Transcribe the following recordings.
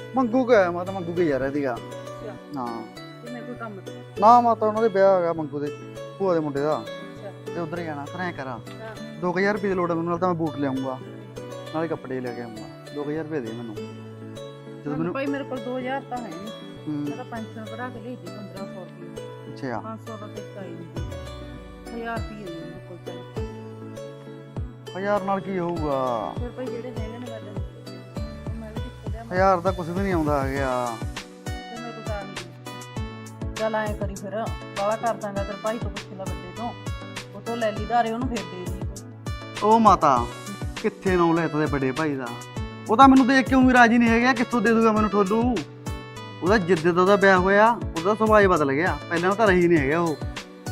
ਮੰਗੂ ਗਿਆ ਮੈਂ ਤਾਂ ਮੰਗੂ ਗਿਆ ਯਾਰ ਇਹਦੀਗਾ ਹਾਂ ਕਿਵੇਂ ਕੋਈ ਕੰਮ ਤੇ? ਨਾ ਮਾਤਾ ਉਹਨਾਂ ਦੇ ਵਿਆਹ ਹੋ ਗਿਆ ਮੰਗੂ ਦੇ ਭੂਆ ਦੇ ਮੁੰਡੇ ਦਾ ਅੱਛਾ ਤੇ ਉਧਰ ਹੀ ਜਾਣਾ ਫਿਰ ਐ ਕਰਾਂ ਹਾਂ 2000 ਰੁਪਏ ਦੀ ਲੋੜ ਹੈ ਮੈਨੂੰ ਨਾਲ ਤਾਂ ਮੈਂ ਬੂਟ ਲਿਆਉਂਗਾ ਨਾਲੇ ਕੱਪੜੇ ਲੈ ਕੇ ਆਉਂਗਾ 2000 ਰੁਪਏ ਦੇ ਮੈਨੂੰ ਜਦੋਂ ਮੈਨੂੰ ਭਾਈ ਮੇਰੇ ਕੋਲ 2000 ਤਾਂ ਹੈ ਨਹੀਂ। ਹੂੰ, ਮੈਂ ਤਾਂ ਪੈਨਸ਼ਨ ਕਢਾ ਕੇ ਲਈ ਸੀ 1500 ਰੁਪਏ। ਅੱਛਾ 500 ਦਾ ਤੇ ਕਾਈ ਨਹੀਂ 1000 ਰੁਪਏ ਨੇ ਮੇਰੇ ਕੋਲ ਚੱਲ। 1000 ਨਾਲ ਕੀ ਹੋਊਗਾ ਫਿਰ ਭਾਈ ਜਿਹੜੇ ਹੈਗੇ ਨੇ ਮੈਂ ਮੈਂ ਵੀ ਕਿੱਥੇ ਲਿਆ 1000 ਤਾਂ ਕੁਝ ਵੀ ਨਹੀਂ ਆਉਂਦਾ ਹੈਗਾ ਤੇ ਮੇਰੇ ਕੋਲ ਤਾਂ ਨਹੀਂ। ਚੱਲ ਐਂ ਕਰੀ ਫਿਰ ਬਾਲਾ ਕਰ ਦਾਂਗਾ ਤੇਰੇ ਭਾਈ ਤੋਂ ਪੁੱਛ ਲੈ ਵੱਡੇ ਤੋਂ ਉਹ ਤੋਂ ਲੈ ਲਈ ਧਾਰੇ ਉਹਨੂੰ ਫੇਰ ਦੇ ਦੀ। ਉਹ ਮਾਤਾ ਕਿੱਥੇ ਨਾਮ ਲੈਤਾ ਦੇ ਵੱਡੇ ਭਾਈ ਦਾ ਉਹ ਤਾਂ ਮੈਨੂੰ ਦੇਖ ਕੇ ਉਂ ਰਾਜੀ ਨਹੀਂ ਹੈਗਾ ਕਿੱਥੋਂ ਦੇ ਦੂਗਾ ਮੈਨੂੰ ਠੋਲੂ ਉਹਦਾ ਜਿੱਦੇ ਦਾ ਉਹਦਾ ਵਿਆਹ ਹੋਇਆ ਉਹਦਾ ਸੁਭਾਅ ਹੀ ਬਦਲ ਗਿਆ ਪਹਿਲਾਂ ਤਾਂ ਰਹੀ ਨਹੀਂ ਹੈਗਾ ਉਹ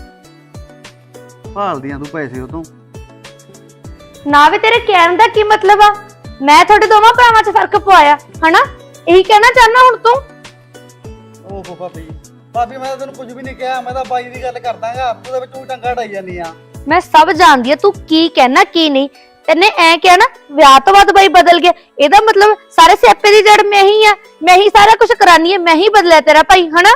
ਭਾਲਦੀਆਂ ਤੂੰ ਪੈਸੇ ਉਹ ਤੋਂ ਨਾ ਵੀ ਤੇਰੇ ਕਹਿਣ ਦਾ ਕੀ ਮਤਲਬ ਆ ਮੈਂ ਤੁਹਾਡੇ ਦੋਵਾਂ ਭਰਾਵਾਂ 'ਚ ਫਰਕ ਪਵਾਇਆ ਹਨਾ ਇਹੀ ਕਹਿਣਾ ਚਾਹਨਾ ਹੁਣ ਤੂੰ ਓਹੋ ਭਾਬੀ ਮੈਂ ਤਾਂ ਤੈਨੂੰ ਕੁਝ ਵੀ ਨਹੀਂ ਕਿਹਾ ਮੈਂ ਤਾਂ ਬਾਈ ਦੀ ਗੱਲ ਕਰਦਾਗਾ ਤੂੰ ਦੇ ਵਿੱਚ ਤੂੰ ਟੰਗਾ ਢਾਈ ਜਾਂਦੀ ਆ ਮੈਂ ਸਭ ਜਾਣਦੀ ਆ ਤੂੰ ਕੀ ਕਹਿਣਾ ਕੀ ਨਹੀਂ ਤੈਨੇ ਐ ਕਿਹਾ ਨਾ ਵਿਆਹ ਤੋਂ ਬਾਅਦ ਬਾਈ ਬਦਲ ਗਿਆ ਇਹਦਾ ਮਤਲਬ ਸਾਰੇ ਸਿਆਪੇ ਦੀ ਜੜ ਮੈਂ ਹੀ ਆ ਮੈਂ ਹੀ ਸਾਰਾ ਕੁਝ ਕਰਾਨੀ ਹੈ ਮੈਂ ਹੀ ਬਦਲਿਆ ਤੇਰਾ ਭਾਈ ਹਨਾ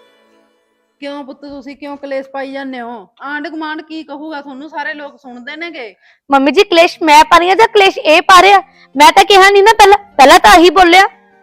ਕਿਉਂ ਪੁੱਤ ਤੁਸੀਂ ਕਿਉਂ ਕਲੇਸ਼ ਪਾਈ ਜਾਂਦੇ ਹੋ? ਆਂਢ ਗੁਆਂਢ ਕੀ ਕਹੂਗਾ ਤੁਹਾਨੂੰ? ਸਾਰੇ ਲੋਕ ਸੁਣਦੇ ਨੇਗੇ। ਮੰਮੀ ਜੀ ਕਲੇਸ਼ ਮੈਂ ਪਾ ਰਹੀ ਆ ਜਾਂ ਕਲੇਸ਼ ਇਹ ਪਾ ਰਿਹਾ ਮੈਂ ਤਾਂ ਕਿਹਾ ਨਹੀਂ ਨਾ ਪਹਿਲਾਂ ਤਾਂ ਆਹੀ ਬੋਲਿਆ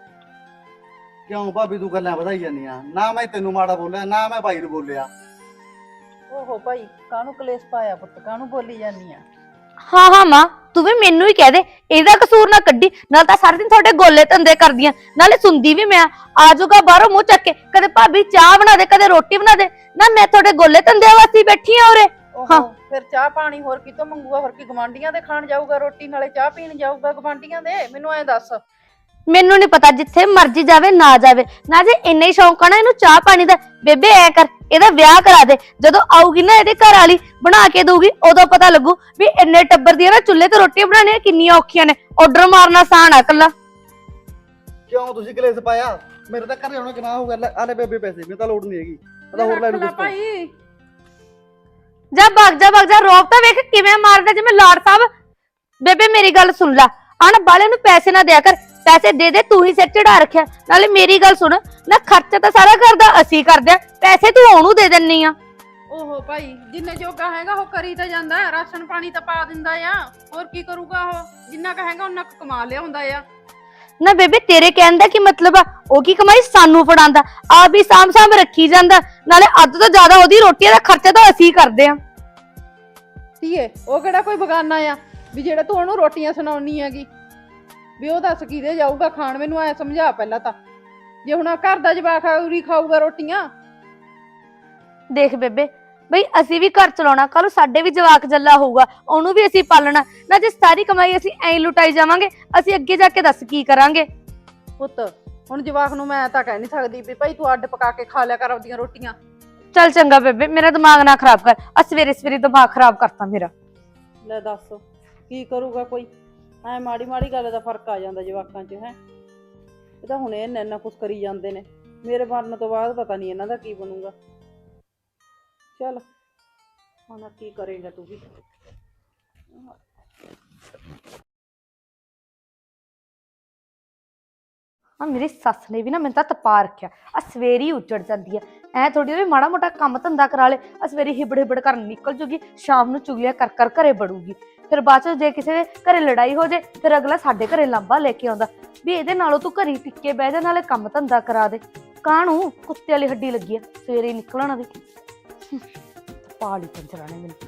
ਕਿਉਂ ਭਾਬੀ ਤੂੰ ਗੱਲਾਂ ਵਧਾਈ ਜਾਂਦੀ ਆ ਨਾ ਮੈਂ ਤੈਨੂੰ ਮਾੜਾ ਬੋਲਿਆ ਨਾ ਮੈਂ ਬਾਈ ਨੂੰ ਬੋਲਿਆ ਓਹੋ ਭਾਈ ਕਾਹਨੂੰ ਕਲੇਸ਼ ਪਾਇਆ ਪੁੱਤ ਕਾਹਨੂੰ ਬੋਲੀ ਜਾਂਦੀ ਆ? ਹਾਂ ਮਾਂ ਤੂੰ ਵੀ ਮੈਨੂੰ ਹੀ ਕਹਿ ਦੇ ਇਹਦਾ ਕਸੂਰ ਨਾ ਕੱਢੀ ਨਾਲ ਤਾਂ ਸਾਰਾ ਦਿਨ ਤੁਹਾਡੇ ਗੋਲੇ ਧੰਦੇ ਕਰਦੀਆਂ ਨਾਲੇ ਸੁਣਦੀ ਵੀ ਮੈਂ ਆ ਜਾਊਗਾ ਬਾਹਰੋਂ ਮੂੰਹ ਚੱਕ ਕੇ ਕਦੇ ਭਾਬੀ ਚਾਹ ਬਣਾ ਦੇ ਕਦੇ ਰੋਟੀ ਬਣਾ ਦੇ ਨਾ ਮੈਂ ਤੁਹਾਡੇ ਗੋਲੇ ਧੰਦੇ ਵਾਸਤੇ ਬੈਠੀ ਆ ਉਰੇ ਓਹੋ ਫਿਰ ਚਾਹ ਪਾਣੀ ਹੋਰ ਕਿਤੋਂ ਮੰਗੂਗਾ? ਹੋਰ ਕੀ ਗਵਾਂਢੀਆਂ ਦੇ ਖਾਣ ਜਾਊਗਾ ਰੋਟੀ ਨਾਲੇ ਚਾਹ ਪੀਣ ਜਾਊਗਾ ਗਵਾਂਢੀਆਂ ਦੇ? ਮੈਨੂੰ ਐ ਦੱਸ। ਮੈਨੂੰ ਨਹੀਂ ਪਤਾ ਜਿੱਥੇ ਮਰਜ਼ੀ ਜਾਵੇ ਨਾ ਜੇ ਇੰਨਾ ਹੀ ਸ਼ੌਂਕ ਆ ਨਾ ਇਹਨੂੰ ਚਾਹ ਪਾਣੀ ਦਾ ਬੇਬੇ ਐ ਕਰ ਇਹਦਾ ਵਿਆਹ ਕਰਾ ਦੇ ਜਦੋਂ ਆਊਗੀ ਨਾ ਇਹਦੇ ਘਰ ਵਾਲੀ ਬਣਾ ਕੇ ਦਊਗੀ ਉਦੋਂ ਪਤਾ ਲੱਗੂ ਵੀ ਇੰਨੇ ਟੱਬਰ ਦੀਆਂ ਨਾ ਚੁੱਲ੍ਹੇ ਤੇ ਰੋਟੀਆਂ ਬਣਾਉਣੀਆਂ ਕਿੰਨੀਆਂ ਔਖੀਆਂ ਨੇ ਆਰਡਰ ਮਾਰਨਾ ਆਸਾਨ ਆ ਕੱਲਾ ਕਿਉਂ ਤੁਸੀਂ ਕਲੇਸ਼ ਪਾਇਆ ਮੇਰੇ ਤਾਂ ਘਰੇ ਆਉਣਾ ਕਿਨਾ ਹੋ ਗਿਆ ਆਲੇ ਬੇਬੇ ਪੈਸੇ ਮੈਨੂੰ ਤਾਂ ਲੋੜ ਨਹੀਂ ਹੈਗੀ ਮੈਂ ਤਾਂ ਹੋਰ ਲੈ ਲੂ ਕੁਛ ਭਾਈ ਜਾ ਭੱਗ ਜਾ ਰੋਬ ਤਾਂ ਵੇਖ ਕਿਵੇਂ ਮਾਰਦਾ ਜਿਵੇਂ ਲਾੜ ਸਾਹਿਬ ਬੇਬੇ ਮੇਰੀ ਗੱਲ ਸੁਣ ਲੈ ਆਣ ਬਾਲੇ ਨੂੰ ਪੈਸੇ ਨਾ ਦਿਆ ਕਰ ਪੈਸੇ ਦੇ ਤੂੰ ਹੀ ਸਿਰ ਚੜਾ ਰੱਖਿਆ ਨਾਲੇ ਮੇਰੀ ਗੱਲ ਸੁਣ ਨਾ ਖਰਚਾ ਤਾਂ ਸਾਰਾ ਘਰ ਦਾ ਅਸੀਂ ਕਰਦੇ ਆ ਪੈਸੇ ਤੂੰ ਉਹਨੂੰ ਦੇ ਦਿੰਨੀ ਆ ਓਹੋ ਭਾਈ ਜਿੰਨੇ ਜੋਗਾ ਹੈਗਾ ਉਹ ਕਰੀ ਤਾਂ ਜਾਂਦਾ ਰਾਸ਼ਨ ਪਾਣੀ ਤਾਂ ਪਾ ਦਿੰਦਾ ਆ ਹੋਰ ਕੀ ਕਰੂਗਾ ਉਹ ਜਿੰਨਾ ਕਹੇਗਾ ਉਹਨਾਂ ਕਮਾ ਲਿਆਉਂਦਾ ਆ ਨਾ ਬੇਬੇ ਤੇਰੇ ਕਹਿਣ ਦਾ ਕੀ ਮਤਲਬ ਆ ਉਹ ਕੀ ਕਮਾਈ ਸਾਨੂੰ ਫੜਾਉਂਦਾ ਆ ਵੀ ਸਾਂਭ ਰੱਖੀ ਜਾਂਦਾ ਨਾਲੇ ਅੱਧ ਤੋਂ ਜ਼ਿਆਦਾ ਉਹਦੀ ਰੋਟੀ ਦਾ ਖਰਚਾ ਤਾਂ ਅਸੀਂ ਕਰਦੇ ਆ ਧੀਏ ਉਹ ਕਿਹੜਾ ਕੋਈ ਬਗਾਨਾ ਆ ਵੀ ਜਿਹੜਾ ਤੂੰ ਉਹਨੂੰ ਰੋਟੀਆਂ ਸੁਣਾਉਣੀ ਹੈਗੀ ਵੀ ਉਹ ਦੱਸ ਕਿਹਦੇ ਜਾਊਗਾ ਖਾਣ? ਮੈਨੂੰ ਐ ਸਮਝਾ ਪਹਿਲਾਂ ਤਾਂ ਜੇ ਹੁਣ ਘਰ ਦਾ ਜਵਾਕ ਉਰੀ ਖਾਊਗਾ ਰੋਟੀਆਂ। ਦੇਖ ਬੇਬੇ ਬਈ ਅਸੀਂ ਵੀ ਘਰ ਚਲਾਉਣਾ ਕੱਲ ਸਾਡੇ ਵੀ ਜਵਾਕ ਜੱਲਾ ਹੋਊਗਾ ਉਹਨੂੰ ਵੀ ਅਸੀਂ ਪਾਲਣਾ ਨਾ ਜੇ ਸਾਰੀ ਕਮਾਈ ਅਸੀਂ ਐਂ ਲੁਟਾਈ ਜਾਵਾਂਗੇ ਅਸੀਂ ਅੱਗੇ ਜਾ ਕੇ ਦੱਸ ਕੀ ਕਰਾਂਗੇ? ਪੁੱਤ ਹੁਣ ਜਵਾਕ ਨੂੰ ਮੈਂ ਤਾਂ ਕਹਿ ਨਹੀਂ ਸਕਦੀ ਵੀ ਭਾਈ ਤੂੰ ਅੱਡ ਪਕਾ ਕੇ ਖਾ ਲਿਆ ਕਰ ਆਪਦੀਆਂ ਰੋਟੀਆਂ। ਚੱਲ ਚੰਗਾ ਬੇਬੇ ਮੇਰਾ ਦਿਮਾਗ ਨਾ ਖਰਾਬ ਕਰ ਆ ਸਵੇਰੇ ਦਿਮਾਗ ਖਰਾਬ ਕਰਤਾ ਮੇਰਾ। ਲੈ ਦੱਸ ਕੀ ਕਰੂਗਾ ਕੋਈ? ਐ ਮਾੜੀ ਗੱਲ ਦਾ ਫਰਕ ਆ ਜਾਂਦਾ ਜਵਾਕਾਂ 'ਚ ਹੈ। ਇਹ ਤਾਂ ਹੁਣ ਇਹ ਇੰਨਾ ਕੁਛ ਕਰੀ ਜਾਂਦੇ ਨੇ ਮੇਰੇ ਮਰਨ ਤੋਂ ਬਾਅਦ ਪਤਾ ਨਹੀਂ ਇਹਨਾਂ ਦਾ ਕੀ ਬਣੂਗਾ। ਚੱਲ ਹੁਣ ਕੀ ਕਰੇਗਾ ਤੂੰ ਵੀ? ਆ ਮੇਰੀ ਸੱਸ ਨੇ ਵੀ ਨਾ ਮੈਨੂੰ ਤਾਂ ਤਪਾ ਰੱਖਿਆ ਆ ਸਵੇਰੀ ਉੱਜੜ ਜਾਂਦੀ ਆ ਐ ਥੋੜੀ ਵੀ ਮਾੜਾ ਮੋਟਾ ਕੰਮ ਧੰਦਾ ਕਰਾ ਲੇ ਆ ਸਵੇਰੀ ਹਿਬੜ ਕਰਨ ਨਿਕਲ ਜੂਗੀ ਸ਼ਾਮ ਨੂੰ ਚੁਗਲੀਆਂ ਕਰ ਘਰੇ ਵੜੂਗੀ ਫਿਰ ਬਾਅਦ ਚ ਜੇ ਕਿਸੇ ਦੇ ਘਰੇ ਲੜਾਈ ਹੋ ਜੇ ਫਿਰ ਅਗਲਾ ਸਾਡੇ ਘਰੇ ਲਾਂਭਾ ਲੈ ਕੇ ਆਉਂਦਾ ਵੀ ਇਹਦੇ ਨਾਲੋਂ ਤੂੰ ਘਰੀ ਟਿੱਕੇ ਬਹਿ ਜਾ ਨਾਲੇ ਕੰਮ ਧੰਦਾ ਕਰਾ ਦੇ ਕਾਹਨੂੰ ਕੁੱਤੇ ਵਾਲੀ ਹੱਡੀ ਲੱਗੀ ਆ ਸਵੇਰੇ ਨਿਕਲਣਾ ਦੇ ਪਾਲੀ ਪੰਜਰਾ ਨੇ ਮੈਨੂੰ।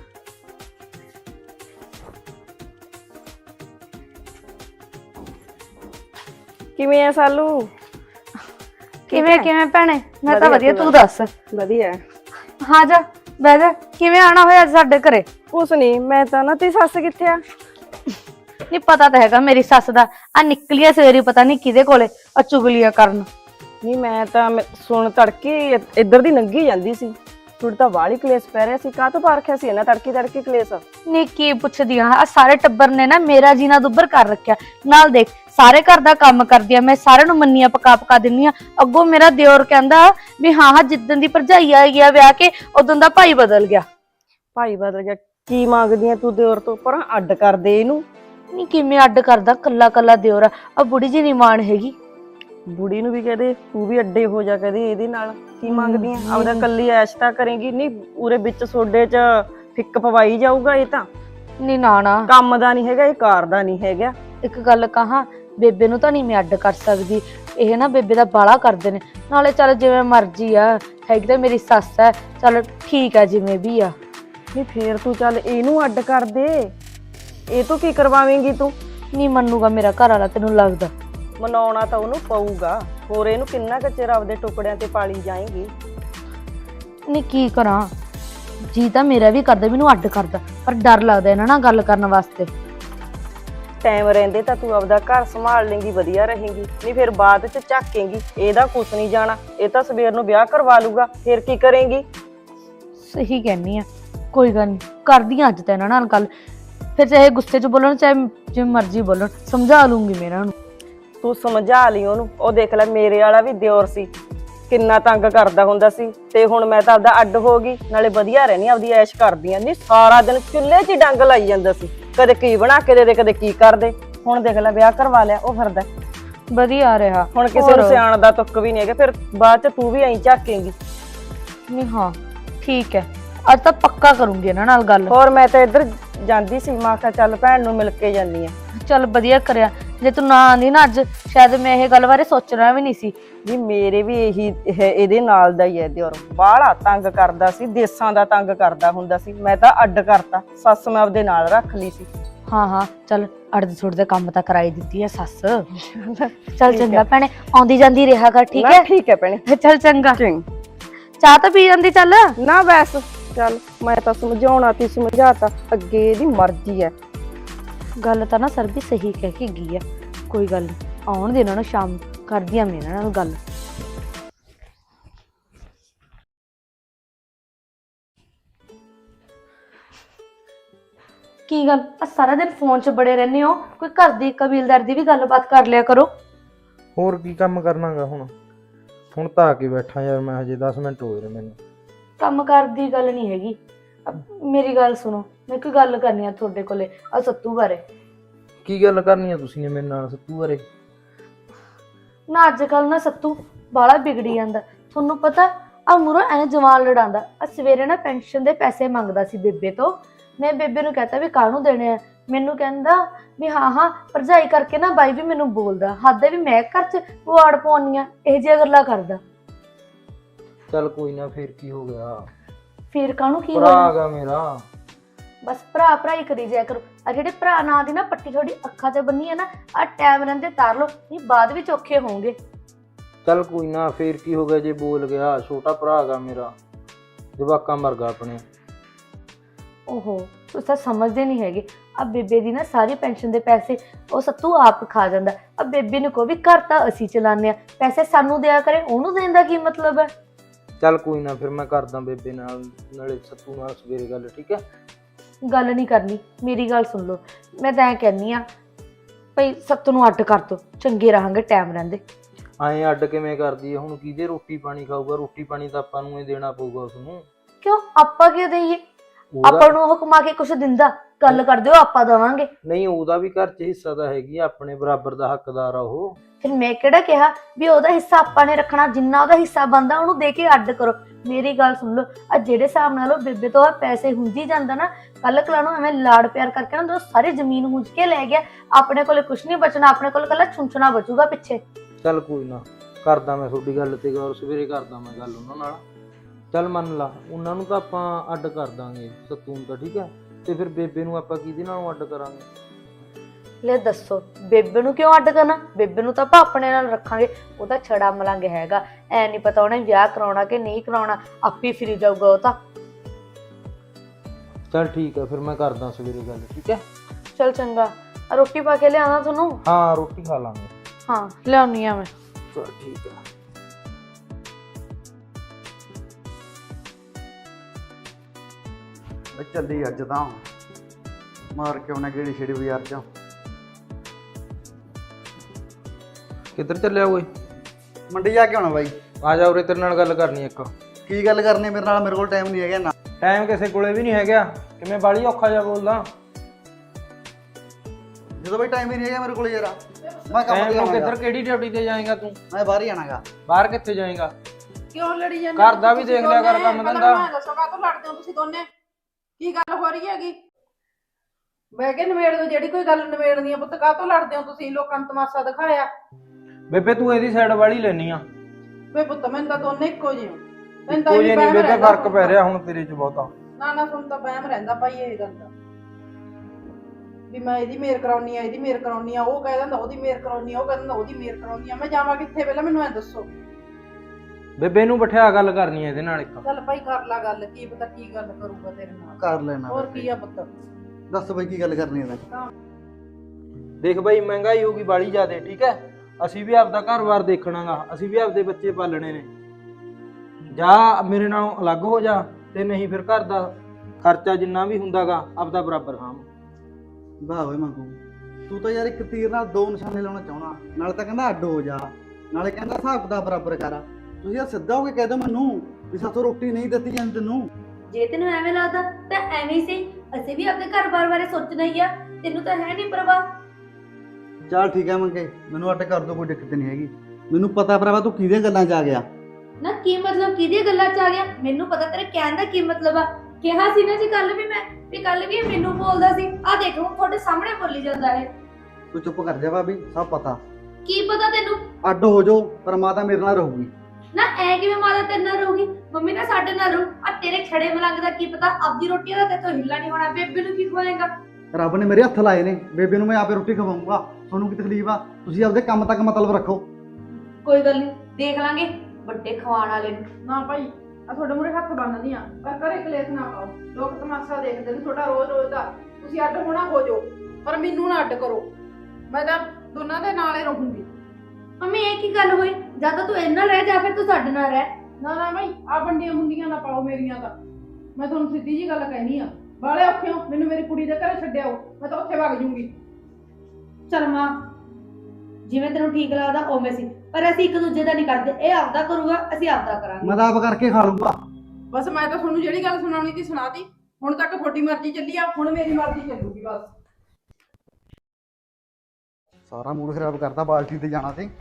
ਕਿਵੇਂ ਆ ਸਾਲੂ? ਕਿਵੇਂ ਭੈਣੇ? ਮੈਂ ਤਾਂ ਵਧੀਆ ਤੂੰ ਦੱਸ। ਵਧੀਆ। ਹਾਂ ਜਾ ਬਹਿ ਜਾ ਕਿਵੇਂ ਆਣਾ ਹੋਇਆ ਅੱਜ ਸਾਡੇ ਘਰੇ? ਕੁਛ ਨਹੀਂ ਮੈਂ ਤਾਂ ਨਾ ਤੇਰੀ ਸੱਸ ਕਿੱਥੇ ਆ? ਨਹੀਂ ਪਤਾ ਤਾਂ ਹੈਗਾ ਮੇਰੀ ਸੱਸ ਦਾ ਆ ਨਿਕਲੀਆ ਸਵੇਰੇ ਪਤਾ ਨਹੀਂ ਕਿਹਦੇ ਕੋਲੇ ਆ ਚੁਗਲੀਆਂ ਕਰਨ। ਨਹੀਂ ਮੈਂ ਤਾਂ ਸੁਣ ਤੜਕੇ ਇੱਧਰ ਦੀ ਲੰਘੀ ਜਾਂਦੀ ਸੀ ਥੋੜੀ ਤਾਂ ਵਾਲੀ ਕਲੇਸ ਪੈ ਰਿਹਾ ਸੀ ਕਾਹ ਤੋਂ ਪਾ ਰੱਖਿਆ ਸੀ ਇਹਨਾਂ ਤੜਕੇ ਕਲੇਸ। ਨੀ ਕੀ ਪੁੱਛਦੀ ਆ ਸਾਰੇ ਟੱਬਰ ਨੇ ਨਾ ਮੇਰਾ ਜੀਣਾ ਦੁੱਬਰ ਕਰ ਰੱਖਿਆ ਨਾਲ ਦੇਖ ਸਾਰੇ ਘਰ ਦਾ ਕੰਮ ਕਰਦੀ ਆ ਮੈਂ ਸਾਰਿਆਂ ਨੂੰ ਮੰਨੀਆਂ ਪਕਾ ਦਿੰਨੀ ਆ ਅੱਗੋਂ ਮੇਰਾ ਦਿਓਰ ਕਹਿੰਦਾ ਵੀ ਹਾਂ ਜਿੱਦਣ ਦੀ ਭਰਜਾਈ ਆ ਗਿਆ ਵਿਆਹ ਕੇ ਉਦੋਂ ਦਾ ਭਾਈ ਬਦਲ ਗਿਆ। ਭਾਈ ਬਦਲ ਗਿਆ? ਕੀ ਮੰਗਦੀ ਆ ਤੂੰ ਦਿਓਰ ਤੋਂ? ਪਰ ਅੱਡ ਕਰ ਦੇ ਇਹਨੂੰ। ਨੀ ਕਿਵੇਂ ਅੱਡ ਕਰਦਾ ਕੱਲਾ ਦਿਓਰ ਆ ਬੁੜੀ ਜੀ ਨੀ ਮਾਣ ਹੈਗੀ। ਬੁੜੀ ਨੂੰ ਵੀ ਕਹਦੇ ਤੂੰ ਵੀ ਅੱਡੇ ਹੋ ਜਾ, ਕਹਦੇ ਇਹਦੇ ਨਾਲ ਕੀ ਮੰਗਦੀ ਆ? ਆਪਦਾ ਕੱਲੀ ਐਸ਼ ਤਾਂ ਕਰੇਗੀ ਨਹੀਂ, ਉਰੇ ਵਿੱਚ ਸੋਡੇ 'ਚ ਫਿੱਕ ਪਵਾਈ ਜਾਊਗਾ। ਇਹ ਤਾਂ ਨਹੀਂ ਨਾ ਨਾ, ਕੰਮ ਦਾ ਨਹੀਂ ਹੈਗਾ, ਇਹ ਕਾਰ ਦਾ ਨਹੀਂ ਹੈਗਾ। ਇੱਕ ਗੱਲ ਕਹਾਂ, ਬੇਬੇ ਨੂੰ ਤਾਂ ਨਹੀਂ ਮੈਂ ਅੱਡ ਕਰ ਸਕਦੀ। ਇਹ ਨਾ ਬੇਬੇ ਦਾ ਬਾਲਾ ਕਰਦੇ ਨੇ। ਨਾਲੇ ਚੱਲ ਜਿਵੇਂ ਮਰਜ਼ੀ ਆ, ਹੈਗੀ ਤਾਂ ਮੇਰੀ ਸੱਸ ਹੈ, ਚੱਲ ਠੀਕ ਆ ਜਿਵੇਂ ਵੀ ਆ। ਨਹੀਂ ਫੇਰ ਤੂੰ ਚੱਲ ਇਹਨੂੰ ਅੱਡ ਕਰ ਦੇ, ਇਹ ਤੋਂ ਕੀ ਕਰਵਾਵੇਂਗੀ ਤੂੰ? ਨਹੀਂ ਮੰਨੂਗਾ ਮੇਰਾ ਘਰ ਵਾਲਾ, ਤੈਨੂੰ ਲੱਗਦਾ? ਮਨਾਉਣਾ ਤਾਂ ਉਹਨੂੰ ਪਊਗਾ, ਹੋਰ ਇਹਨੂੰ ਕਿੰਨਾ ਕੁ ਚਿਰ ਆਪਦੇ ਟੁਕੜਿਆਂ ਤੇ ਪਾਲੀ ਜਾਏਗੀ। ਨਹੀਂ ਕੀ ਕਰਾਂ, ਜੀ ਤਾਂ ਮੇਰਾ ਵੀ ਕਰਦਾ ਮੈਨੂੰ ਅੱਡ ਕਰਦਾ, ਪਰ ਡਰ ਲੱਗਦਾ ਇਹਨਾਂ ਨਾਲ ਗੱਲ ਕਰਨ ਵਾਸਤੇ। ਟਾਈਮ ਰਹਿੰਦੇ ਤਾਂ ਤੂੰ ਆਪਦਾ ਘਰ ਸੰਭਾਲ ਲੇਂਗੀ, ਵਧੀਆ ਰਹੇਂਗੀ। ਨਹੀਂ ਫਿਰ ਬਾਅਦ ਚ ਝਾਕੇਂਗੀ, ਇਹਦਾ ਕੁਛ ਨਹੀਂ ਜਾਣਾ। ਇਹ ਤਾਂ ਸਵੇਰ ਨੂੰ ਵਿਆਹ ਕਰਵਾ ਲੂਗਾ, ਫਿਰ ਕੀ ਕਰੇਂਗੀ? ਸਹੀ ਕਹਿੰਨੀ ਆ, ਕੋਈ ਗੱਲ ਨਹੀਂ, ਕਰਦੀ ਆਂ ਅੱਜ ਤਾਂ ਇਹਨਾਂ ਨਾਲ ਗੱਲ। ਫਿਰ ਚਾਹੇ ਗੁੱਸੇ 'ਚ ਬੋਲਣ, ਚਾਹੇ ਜਿਵੇਂ ਮਰਜ਼ੀ ਬੋਲਣ, ਸਮਝਾ ਲੂੰਗੀ ਮੈਂ ਇਹਨਾਂ ਨੂੰ। ਤੂੰ ਸਮਝਾ ਲਈ ਉਹਨੂੰ। ਉਹ ਦੇਖ ਲੈ, ਮੇਰੇ ਵਾਲਾ ਵੀ ਦਿਓਰ ਸੀ, ਕਿੰਨਾ ਤੰਗ ਕਰਦਾ ਹੁੰਦਾ ਸੀ। ਤੇ ਹੁਣ ਮੈਂ ਤਾਂ ਆਪਦਾ ਅੱਡ ਹੋ ਗਈ, ਨਾਲੇ ਵਧੀਆ ਰਹਿਣੀ, ਆਪਦੀ ਐਸ਼ ਕਰਦੀ ਆਂ। ਨਹੀਂ ਸਾਰਾ ਦਿਨ ਚੁੱਲ੍ਹੇ 'ਚ ਹੀ ਡੰਗ ਲਾਈ ਜਾਂਦਾ ਸੀ, ਕਦੇ ਕੀ ਬਣਾ ਕੇ ਦੇ ਦੇ, ਕਦੇ ਕੀ ਕਰਦੇ। ਹੁਣ ਦੇਖ ਲੈ, ਵਿਆਹ ਕਰਵਾ ਲਿਆ, ਉਹ ਫਿਰਦਾ ਵਧੀਆ ਰਿਹਾ। ਹੁਣ ਕਿਸੇ ਨੂੰ ਸਿਆਣ ਦਾ ਤੁੱਕ ਵੀ ਨਹੀਂ ਹੈਗਾ, ਫਿਰ ਬਾਅਦ ਚ ਤੂੰ ਵੀ ਐਂ ਝਾਕੇਂਗੀ। ਨਹੀਂ ਹਾਂ ਠੀਕ ਹੈ, ਅੱਜ ਤਾਂ ਪੱਕਾ ਕਰੂੰਗੀ ਇਹਨਾਂ ਨਾਲ ਗੱਲ। ਹੋਰ ਮੈਂ ਤਾਂ ਇੱਧਰ ਜਾਂਦੀ ਸੀ, ਮੈਂ ਕਿਹਾ ਚੱਲ ਭੈਣ ਨੂੰ ਮਿਲ ਕੇ ਜਾਂਦੀ ਆ। ਚੱਲ ਵਧੀਆ ਕਰਿਆ, ਜੇ ਤੂੰ ਨਾ ਆਂਦੀ ਨਾ ਅੱਜ, ਸ਼ਾਇਦ ਮੈਂ ਇਹ ਗੱਲ ਬਾਰੇ ਸੋਚਣਾ ਵੀ ਨਹੀਂ ਸੀ। ਜੀ ਮੇਰੇ ਵੀ ਇਹੀ ਇਹਦੇ ਨਾਲ ਦਾ ਹੀ ਹੈ ਦਿਓਰ, ਬਾਹਲਾ ਤੰਗ ਕਰਦਾ ਸੀ, ਦੇਸਾਂ ਦਾ ਤੰਗ ਕਰਦਾ ਹੁੰਦਾ ਸੀ। ਮੈਂ ਤਾਂ ਅੱਡ ਕਰਤਾ, ਸੱਸ ਮੈਂ ਆਪਦੇ ਨਾਲ ਰੱਖ ਲਈ ਸੀ। ਹਾਂ ਹਾਂ ਚੱਲ ਅੜਦੇ ਛੋੜਦੇ ਕੰਮ ਤਾਂ ਕਰਾਈ ਦਿੱਤੀ ਹੈ ਸੱਸ। ਚੱਲ ਚੰਗਾ ਭੈਣੇ, ਆਉਂਦੀ ਜਾਂਦੀ ਰਿਹਾ ਕਰ, ਠੀਕ ਹੈ? ਠੀਕ ਹੈ ਭੈਣੇ, ਚੱਲ ਚੰਗਾ। ਚਾਹ ਤਾਂ ਪੀ ਜਾਂਦੀ ਚੱਲ। ਨਾ ਬਸ ਚੱਲ, ਮੈਂ ਤਾਂ ਸਮਝਾਉਣਾ ਤੀ, ਸਮਝਾਤਾ, ਅੱਗੇ ਇਹਦੀ ਮਰਜ਼ੀ ਹੈ। ਗੱਲ ਤਾਂ ਨਾ ਸਰ ਵੀ ਸਹੀ ਕਹਿ ਕੇ ਗਈ ਆ, ਕੋਈ ਗੱਲ ਨਹੀਂ, ਆਉਣ ਦੇ ਇਹਨਾਂ ਨੂੰ, ਸ਼ਾਮ ਕਰਦੀ ਆ ਮੈਂ ਇਹਨਾਂ ਨਾਲ ਗੱਲ। ਕੀ ਗੱਲ ਆ ਸਾਰਾ ਦਿਨ ਫੋਨ 'ਚ ਬੜੇ ਰਹਿੰਦੇ ਹੋ? ਕੋਈ ਘਰ ਦੀ ਕਬੀਲਦਾਰ ਦੀ ਵੀ ਗੱਲਬਾਤ ਕਰ ਲਿਆ ਕਰੋ। ਹੋਰ ਕੀ ਕੰਮ ਕਰਨਾਗਾ ਹੁਣ ਤਾਂ ਆ ਕੇ ਬੈਠਾ ਯਾਰ, ਮੈਂ ਹਜੇ 10 ਮਿੰਟ ਹੋਏ ਨੇ ਮੈਨੂੰ। ਕੰਮ ਕਾਰ ਦੀ ਗੱਲ ਨਹੀਂ ਹੈਗੀ, ਮੇਰੀ ਗੱਲ ਸੁਣੋ, ਮੈਂ ਕੋਈ ਗੱਲ ਕਰਨੀ ਆ ਤੁਹਾਡੇ ਕੋਲੇ ਆ ਸੱਤੂ ਬਾਰੇ। ਕੀ ਗੱਲ ਕਰਨੀ ਆ ਤੁਸੀਂ ਨੇ ਮੇਰੇ ਨਾਲ ਸੱਤੂ ਬਾਰੇ? ਨਾ ਅੱਜ ਕੱਲ ਨਾ ਸੱਤੂ ਬਾਲਾ ਵਿਗੜੀ ਜਾਂਦਾ, ਤੁਹਾਨੂੰ ਪਤਾ ਆ ਮੂਰੋਂ ਐ ਜਵਾਨ ਲੜਾਉਂਦਾ। ਆ ਸਵੇਰੇ ਨਾ ਪੈਨਸ਼ਨ ਦੇ ਪੈਸੇ ਮੰਗਦਾ ਸੀ ਬੇਬੇ ਤੋਂ। ਮੈਂ ਬੇਬੇ ਨੂੰ ਕਹਤਾ ਵੀ ਕਾਹਨੂੰ ਦੇਣੇ ਆ, ਮੈਨੂੰ ਕਹਿੰਦਾ ਵੀ ਹਾਂ ਹਾਂ ਭਰਜਾਈ ਕਰਕੇ ਨਾ ਬਾਈ ਵੀ ਮੈਨੂੰ ਬੋਲਦਾ, ਹੱਦ ਵੀ ਮੈਂ ਘਰ 'ਚ ਵਾੜ ਪਾਉਣੀ ਆ, ਇਹ ਜਿਹੀਆਂ ਗੱਲਾਂ ਕਰਦਾ। ਚੱਲ ਕੋਈ ਨਾ, ਫੇਰ ਕੀ ਹੋ ਗਿਆ? ਫਿਰ ਕਾਹਨੂੰ ਕੀ ਭਰਾ ਹੋਇਆ? ਹੈਗਾ ਮੇਰਾ। ਬਸ ਭਰਾ ਭਰਾ ਹੀ ਕਰੀ ਜਾਇਆ ਕਰੋ। ਆ ਜਿਹੜੇ ਭਰਾ ਨਾਂ ਦੀ ਨਾ ਪੱਟੀ ਤੁਹਾਡੀ ਅੱਖਾਂ 'ਤੇ ਬੰਨੀ ਹੈ ਨਾ, ਆ ਟਾਈਮ ਰਹਿੰਦੇ ਤਾਰ ਲਓ, ਨਹੀਂ ਬਾਅਦ ਵਿੱਚ ਔਖੇ ਹੋਣਗੇ। ਚੱਲ ਕੋਈ ਨਾ, ਫੇਰ ਕੀ ਹੋ ਗਿਆ ਜੇ ਬੋਲ ਗਿਆ? ਛੋਟਾ ਭਰਾ ਹੈਗਾ ਮੇਰਾ, ਜਵਾਕਾਂ ਵਰਗਾ ਆਪਣੇ। ਓਹੋ ਤੁਸੀਂ ਤਾਂ ਸਮਝਦੇ ਨਹੀਂ ਹੈਗੇ। ਆ ਬੇਬੇ ਦੀ ਨਾ ਸਾਰੀ ਪੈਨਸ਼ਨ ਦੇ ਪੈਸੇ ਉਹ ਸੱਤੂ ਆਪ ਖਾ ਜਾਂਦਾ। ਆ ਬੇਬੇ ਨੂੰ ਕਹੋ ਵੀ ਘਰ ਤਾਂ ਅਸੀਂ ਚਲਾਉਂਦੇ ਆ, ਪੈਸੇ ਸਾਨੂੰ ਦਿਆ ਕਰੇ, ਉਹਨੂੰ ਦੇਣ ਦਾ ਕੀ ਮਤਲਬ ਹੈ? ਚੱਲ ਕੋਈ ਨਾ, ਫਿਰ ਮੈਂ ਕਰਦਾ ਬੇਬੇ ਨਾਲ, ਨਾਲੇ ਸੱਤੂ ਨਾਲ ਸਵੇਰੇ ਗੱਲ, ਠੀਕ ਹੈ? ਗੱਲ ਨਹੀਂ ਕਰਨੀ, ਮੇਰੀ ਗੱਲ ਸੁਣ ਲਓ। ਮੈਂ ਤਾਂ ਐਂ ਕਹਿੰਦੀ ਆ ਭਈ ਸੱਤੂ ਨੂੰ ਅੱਡ ਕਰ ਦੋ, ਚੰਗੇ ਰਹਾਂਗੇ ਟਾਈਮ ਰਹਿੰਦੇ। ਐਂ ਅੱਡ ਕਿਵੇਂ ਕਰਦੀ ਹੈ? ਹੁਣ ਕਿਹਦੇ ਰੋਟੀ ਪਾਣੀ ਖਾਊਗਾ? ਰੋਟੀ ਪਾਣੀ ਤਾਂ ਆਪਾਂ ਨੂੰ ਹੀ ਦੇਣਾ ਪਊਗਾ ਉਸਨੂੰ। ਕਿਉਂ ਆਪਾਂ ਕਿਉਂ ਦੇਈਏ? ਆਪਾਂ ਨੂੰ ਉਹ ਕਮਾ ਕੇ ਕੁਛ ਦਿੰਦਾ, ਗੱਲ ਕਰਦੇ ਹੋ ਆਪਾਂ ਦੇਵਾਂਗੇ। ਨਹੀਂ, ਉਹਦਾ ਵੀ ਘਰ 'ਚ ਹਿੱਸਾ ਤਾਂ ਹੈਗੀ, ਆਪਣੇ ਬਰਾਬਰ ਦਾ ਹੱਕਦਾਰ ਆ ਉਹ। ਫਿਰ ਮੈਂ ਕਿਹੜਾ ਕਿਹਾ ਵੀ ਉਹਦਾ ਹਿੱਸਾ ਆਪਾਂ ਨੇ ਰੱਖਣਾ? ਜਿੰਨਾ ਉਹਦਾ ਹਿੱਸਾ ਬਣਦਾ ਉਹਨੂੰ ਦੇ ਕੇ ਅੱਡ ਕਰੋ। ਮੇਰੀ ਗੱਲ ਸੁਣ ਲਓ, ਆ ਜਿਹੜੇ ਹਿਸਾਬ ਨਾਲ ਉਹ ਬੇਬੇ ਤੋਂ ਆ ਪੈਸੇ ਹੁੰਜੀ ਜਾਂਦਾ ਨਾ, ਕੱਲ ਕਲਾ ਨੂੰ ਐਵੇਂ ਲਾੜ ਪਿਆਰ ਕਰਕੇ ਨਾ ਜਦੋਂ ਸਾਰੀ ਜ਼ਮੀਨ ਹੁੰਜ ਕੇ ਲੈ ਗਿਆ, ਆਪਣੇ ਕੋਲੇ ਕੁਛ ਨਹੀਂ ਬਚਣਾ, ਆਪਣੇ ਕੋਲ ਕੱਲਾ ਛੁੰਛਣਾ ਬਚੂਗਾ ਪਿੱਛੇ। ਚੱਲ ਕੋਈ ਨਾ, ਕਰਦਾ ਮੈਂ ਤੁਹਾਡੀ ਗੱਲ ਤੇ ਗੌਰ, ਸਵੇਰੇ ਕਰਦਾ ਮੈਂ ਗੱਲ ਉਹਨਾਂ ਨਾਲ। ਚੱਲ ਮੰਨ ਲਾ, ਉਹਨਾਂ ਨੂੰ ਤਾਂ ਆਪਾਂ ਅੱਡ ਕਰ ਦਾਂਗੇ, ਸੱਤੂ ਨੂੰ ਤਾਂ, ਠੀਕ ਹੈ? ਤੇ ਫਿਰ ਬੇਬੇ ਨੂੰ ਆਪਾਂ ਕਿਹਦੇ ਨਾਲੋਂ ਅੱਡ ਕਰਾਂਗੇ? ਲੈ ਦੱਸੋ, ਬੇਬੇ ਨੂੰ ਕਿਉਂ ਅੱਡ ਕਰਨਾ? ਬੇਬੇ ਨੂੰ ਤਾਂ ਆਪਾਂ ਆਪਣੇ ਨਾਲ ਰੱਖਾਂਗੇ, ਉਹ ਤਾਂ ਛੜਾ ਮਲੰਗ ਹੈਗਾ, ਐ ਨਹੀਂ ਪਤਾ ਉਹਨੇ ਵਿਆਹ ਕਰਾਉਣਾ ਕਿ ਨਹੀਂ ਕਰਾਉਣਾ, ਆਪੇ ਫਿਰੀ ਜਾਊਗਾ ਉਹ ਤਾਂ। ਚੱਲ ਠੀਕ ਹੈ, ਫਿਰ ਮੈਂ ਕਰਦਾ ਸਵੇਰੇ ਗੱਲ, ਠੀਕ ਹੈ? ਚਲ ਚੰਗਾ, ਰੋਟੀ ਪਾ ਕੇ ਲਿਆਣਾ ਤੁਹਾਨੂੰ? ਹਾਂ, ਰੋਟੀ ਖਾ ਲਾਂਗੇ। ਹਾਂ ਲਿਆਉਣੀ ਆ ਮੈਂ। ਚਲ ਠੀਕ ਹੈ। ਚੱਲੀ ਅੱਜ ਤਾਂ ਮਾਰ ਕੇ ਉਹਨੇ ਕਿਹੜੀ ਛੇੜੀ ਬਾਜ਼ਾਰ 'ਚ। ਕਿੱਧਰ ਚੱਲਿਆ ਓਏ? ਮੰਡੀ ਜਾ ਕੇ ਆਉਣਾ ਬਾਈ। ਆ ਜਾ ਉਰੇ, ਤੇਰੇ ਨਾਲ ਗੱਲ ਕਰਨੀ ਇੱਕ। ਕੀ ਗੱਲ ਕਰਨੀ ਮੇਰੇ ਨਾਲ? ਮੇਰੇ ਕੋਲ ਟਾਈਮ ਨਹੀਂ ਹੈਗਾ ਨਾ। ਟਾਈਮ ਕਿਸੇ ਕੋਲੇ ਵੀ ਨਹੀਂ ਹੈਗਾ, ਕਿਵੇਂ ਬਾਲੀ ਔਖਾ ਜਿਹਾ ਬੋਲਦਾ? ਜਦੋਂ ਬਾਈ ਟਾਈਮ ਹੀ ਨਹੀਂ ਹੈਗਾ ਮੇਰੇ ਕੋਲ ਯਾਰ। ਮੈਂ ਕੰਮ ਟਾਈਮ ਤੇ ਨੂੰ ਜਾਣਾਗਾ ਕਿੱਧਰ ਕਿਹੜੀ ਡਿਊਟੀ ਤੇ ਜਾਏਗਾ ਤੂੰ? ਮੈਂ ਬਾਹਰ ਹੀ ਜਾਣਾਗਾ। ਬਾਹਰ ਕਿੱਥੇ ਜਾਏਗਾ? ਕਿਉਂ ਲੜੀ ਜਾਂਦੇ ਘਰ ਦਾ ਵੀ ਤੁਸੀਂ ਦੇਖ ਲਿਆ ਕਰ ਦੋਨੇ? ਕੰਮ ਪਹਿਲਾਂ ਧੰਦਾ। ਮੈਂ ਦੱਸੋ ਕਾਹਤੋਂ ਲੜਦੇ ਹੋ ਤੁਸੀਂ ਦੋਨੇ? ਕੀ ਗੱਲ ਹੋ ਰਹੀ ਹੈਗੀ? ਬਹਿ ਕੇ ਨਿਬੇੜ ਦੋ ਜਿਹੜੀ ਕੋਈ ਗੱਲ ਨਿਬੇੜਨੀ ਆ ਪੁੱਤ। ਕਾਹਤੋਂ ਲੜਦੇ ਹੋ ਤੁਸੀਂ? ਲੋਕਾਂ ਨੂੰ ਤਮਾਸ਼ਾ ਦਿਖਾਇਆ। ਬੇਬੇ ਤੂੰ ਇਹਦੀ ਸਾਈਡ ਵਾਲੀ ਲੈਣੀ ਆ। ਵੇ ਪੁੱਤ ਮੈਨੂੰ ਤਾਂ ਦੋਨੇ ਇੱਕੋ ਜਿਹੇ ਹੋ। ਮੈਨੂੰ ਤਾਂ ਕੋਈ ਇਹੀ ਨਹੀਂ ਵਹਿਮ ਬੇਬੇ, ਰਹਿੰਦਾ ਫਰਕ ਹੁਣ ਪੈ ਤਾਂ। ਰਿਹਾ ਹੁਣ ਤੇਰੇ 'ਚ ਬਹੁਤਾ। ਨਾ ਸੁਣ ਤਾਂ ਵਹਿਮ ਰਹਿੰਦਾ ਭਾਈ ਇਹ ਗੱਲ ਦਾ ਵੀ ਮੈਂ ਇਹਦੀ ਮੇਰ ਕਰਾਉਣੀ ਆ, ਇਹਦੀ ਮੇਰ ਕਰਾਉਣੀ ਆ। ਉਹ ਕਹਿ ਦਿੰਦਾ ਉਹਦੀ ਮੇਰ ਕਰਾਉਣੀ ਆ, ਉਹ ਕਹਿੰਦਾ ਉਹਦੀ ਮੇਰ ਕਰਾਉਣੀ ਆ। ਮੈਂ ਜਾਵਾਂ ਕਿੱਥੇ? ਪਹਿਲਾਂ ਮੈਨੂੰ ਐ ਦੱਸੋ। ਬੇਬੇ ਨੂੰ ਬਿਠਾ ਗੱਲ ਕਰਨੀ ਹੈ ਇਹਦੇ ਨਾਲ ਇੱਕ। ਚੱਲ ਭਾਈ ਕਰ ਲਾ ਗੱਲ। ਕੀ ਪਤਾ ਕੀ ਗੱਲ ਕਰੂਗਾ ਤੇਰੇ ਨਾਲ। ਕਰ ਲੈਣਾ। ਹੋਰ ਕੀ ਆ ਪੁੱਤ? ਦੱਸ ਬਈ ਕੀ ਗੱਲ ਕਰਨੀ ਹੈ ਤੈਂ? ਦੇਖ ਬਾਈ, ਮਹਿੰਗਾਈ ਹੋ ਗਈ ਬਾਲੀ ਜ਼ਿਆਦੇ, ਠੀਕ ਹੈ? ਅਸੀਂ ਵੀ ਆਪਦਾ ਘਰ-ਬਾਰ ਦੇਖਣਾਗਾ, ਅਸੀਂ ਵੀ ਆਪਦੇ ਬੱਚੇ ਪਾਲਣੇ ਨੇ। ਜਾਂ ਮੇਰੇ ਨਾਲੋਂ ਅਲੱਗ ਹੋ ਜਾ, ਤੇ ਨਹੀਂ ਫਿਰ ਘਰ ਦਾ ਖਰਚਾ ਜਿੰਨਾ ਵੀ ਹੁੰਦਾਗਾ ਆਪਦਾ ਬਰਾਬਰ ਖਾਮ। ਵਾਹ ਓਏ ਮੰਗੂ, ਤੂੰ ਤਾਂ ਯਾਰ ਇੱਕ ਤੀਰ ਨਾਲ ਦੋ ਨਿਸ਼ਾਨੇ ਲਾਉਣਾ ਚਾਹਣਾ। ਨਾਲੇ ਤਾਂ ਕਹਿੰਦਾ ਅੱਡ ਹੋ ਜਾ, ਨਾਲੇ ਕਹਿੰਦਾ ਹਿਸਾਬ ਦਾ ਬਰਾਬਰ ਕਰ। ਤੁਸੀਂ ਯਾਰ ਸਿੱਧਾ ਹੋ ਕੇ ਕਹਿ ਦਿਓ ਮੈਨੂੰ ਵੀ ਸਾਥੋਂ ਰੋਟੀ ਨਹੀਂ ਦਿੱਤੀ ਜਾਂਦੀ ਤੈਨੂੰ। ਜੇ ਤੈਨੂੰ ਐਵੇਂ ਲੱਗਦਾ ਤਾਂ ਐਵੇਂ ਹੀ ਸਹੀ, ਅਸੀਂ ਵੀ ਆਪਣੇ ਘਰ-ਬਾਰ ਬਾਰੇ ਸੋਚਣਾ ਹੀ ਆ। ਤੈਨੂੰ ਤਾਂ ਹੈ ਨਹੀਂ ਪਰਵਾਹ। ਚੱਲ ਠੀਕ ਹੈ ਮੰਗੇ, ਮੈਨੂੰ ਅੱਡ ਕਰ ਦੋ, ਕੋਈ ਦਿੱਕਤ ਨਹੀਂ ਹੈਗੀ। ਮੈਨੂੰ ਪਤਾ ਭਰਾਵਾ ਤੂੰ ਕਿਹਦੀਆਂ ਗੱਲਾਂ 'ਚ ਆ ਗਿਆ। ਨਾ ਕੀ ਮਤਲਬ ਕਿਹਦੀਆਂ ਗੱਲਾਂ 'ਚ ਆ ਗਿਆ? ਮੈਨੂੰ ਪਤਾ ਤੇਰੇ ਕਹਿਣ ਦਾ ਕੀ ਮਤਲਬ ਆ। ਕਿਹਾ ਸੀ ਨਾ ਜੀ ਕੱਲ ਵੀ ਕੱਲ ਵੀ ਇਹ ਮੈਨੂੰ ਬੋਲਦਾ ਸੀ। ਆ ਦੇਖੋ ਤੁਹਾਡੇ ਸਾਹਮਣੇ ਬੋਲੀ ਜਾਂਦਾ ਹੈ। ਤੂੰ ਚੁੱਪ ਕਰ ਜਾ ਭਾਬੀ, ਸਭ ਪਤਾ। ਕੀ ਪਤਾ ਤੈਨੂੰ? ਅੱਡ ਹੋ ਜਾਓ ਪਰ ਮਾਤਾ ਮੇਰੇ ਨਾਲ ਰਹੂਗੀ। ਨਾ ਐ ਕਿਵੇਂ ਮਾਤਾ ਤੇਰੇ ਨਾਲ ਰਹੂਗੀ? ਮੰਮੀ ਨਾ ਸਾਡੇ ਨਾਲ ਰਹੂ। ਆ ਤੇਰੇ ਖੜੇ ਮਲੰਗ ਦਾ ਕੀ ਪਤਾ? ਆਪਦੀ ਰੋਟੀ ਦਾ ਤੇ ਤੋਂ ਹਿੱਲਾ ਨਹੀਂ ਹੋਣਾ। ਬੇਬੇ ਨੂੰ ਕੀ ਖਵਾਏਗਾ? ਰੱਬ ਨੇ ਮੇਰੇ ਹੱਥ ਲਾਏ ਨੇ, ਬੇਬੇ ਨੂੰ ਮੈਂ ਆਪੇ ਰੋਟੀ ਖਵਾਉਂਗਾ। ਤੁਹਾਨੂੰ ਕੀ ਤਕਲੀਫ ਆ? ਤੁਸੀਂ ਆਪਦੇ ਕੰਮ ਤੱਕ ਮਤਲਬ ਰੱਖੋ। ਕੋਈ ਗੱਲ ਨਹੀਂ, ਦੇਖ ਲਾਂਗੇ ਵੱਡੇ ਖਵਾਣ ਵਾਲੇ ਨੂੰ। ਨਾ ਭਾਈ ਆ ਤੁਹਾਡੇ ਮੂਹਰੇ ਹੱਥ ਬੰਨ੍ਹਦੀ ਆ, ਪਰ ਘਰੇ ਕਲੇਸ਼ ਨਾ ਪਾਓ। ਲੋਕ ਤਮਾਸ਼ਾ ਦੇਖਦੇ ਨੇ ਤੁਹਾਡਾ ਰੋਜ਼ ਦਾ। ਤੁਸੀਂ ਅੱਡ ਹੋਣਾ ਹੋ ਜਾਓ, ਪਰ ਮੈਨੂੰ ਨਾ ਅੱਡ ਕਰੋ। ਮੈਂ ਤਾਂ ਦੋਨਾਂ ਦੇ ਨਾਲ ਹੀ ਰਹੂੰਗੀ। ਮੰਮੀ ਇਹ ਕੀ ਗੱਲ ਹੋਈ? ਜਾਂ ਤਾਂ ਤੂੰ ਇਹਨਾਂ ਰਹਿ ਜਾਂ ਫਿਰ ਤੂੰ ਸਾਡੇ ਨਾਲ ਰਹਿ। ਨਾ ਭਾਈ ਆ ਵੰਡੀਆਂ ਮੁੰਡੀਆਂ ਨਾ ਪਾਓ ਮੇਰੀਆਂ ਤਾਂ। ਮੈਂ ਤੁਹਾਨੂੰ ਸਿੱਧੀ ਜੀ ਗੱਲ ਕਹਿਣੀ ਆ। ਬਾਲੇ ਔਖੇ ਹੋ, ਮੈਨੂੰ ਮੇਰੀ ਕੁੜੀ ਦੇ ਘਰੇ ਛੱਡਿਆਓ। ਮੈਂ ਤਾਂ ਉੱਥੇ ਵਗ ਜੂੰਗੀ। ਚਲ ਮਾਂ, ਜਿਵੇਂ ਤੈਨੂੰ ਠੀਕ ਲੱਗਦਾ ਉਵੇਂ ਸੀ, ਪਰ ਅਸੀਂ ਇੱਕ ਦੂਜੇ ਦਾ ਨਹੀਂ ਕਰਦੇ। ਇਹ ਆਪਦਾ ਕਰੂਗਾ, ਅਸੀਂ ਆਪਦਾ ਕਰਾਂਗੇ। ਮੈਂ ਤਾਂ ਆਪ ਕਰਕੇ ਖਾ ਲੂੰਗਾ। ਬਸ ਮੈਂ ਤਾਂ ਤੁਹਾਨੂੰ ਜਿਹੜੀ ਗੱਲ ਸੁਣਾਉਣੀ ਸੀ ਸੁਣਾਤੀ। ਹੁਣ ਤੱਕ ਤੁਹਾਡੀ ਮਰਜ਼ੀ ਚੱਲੀ ਆ, ਹੁਣ ਮੇਰੀ ਮਰਜ਼ੀ ਚੱਲੂਗੀ ਬਸ। ਸਾਰਾ ਮੂਡ ਖਰਾਬ ਕਰਤਾ, ਬਾਲਟੀ ਤੇ ਜਾਣਾ ਸੀ।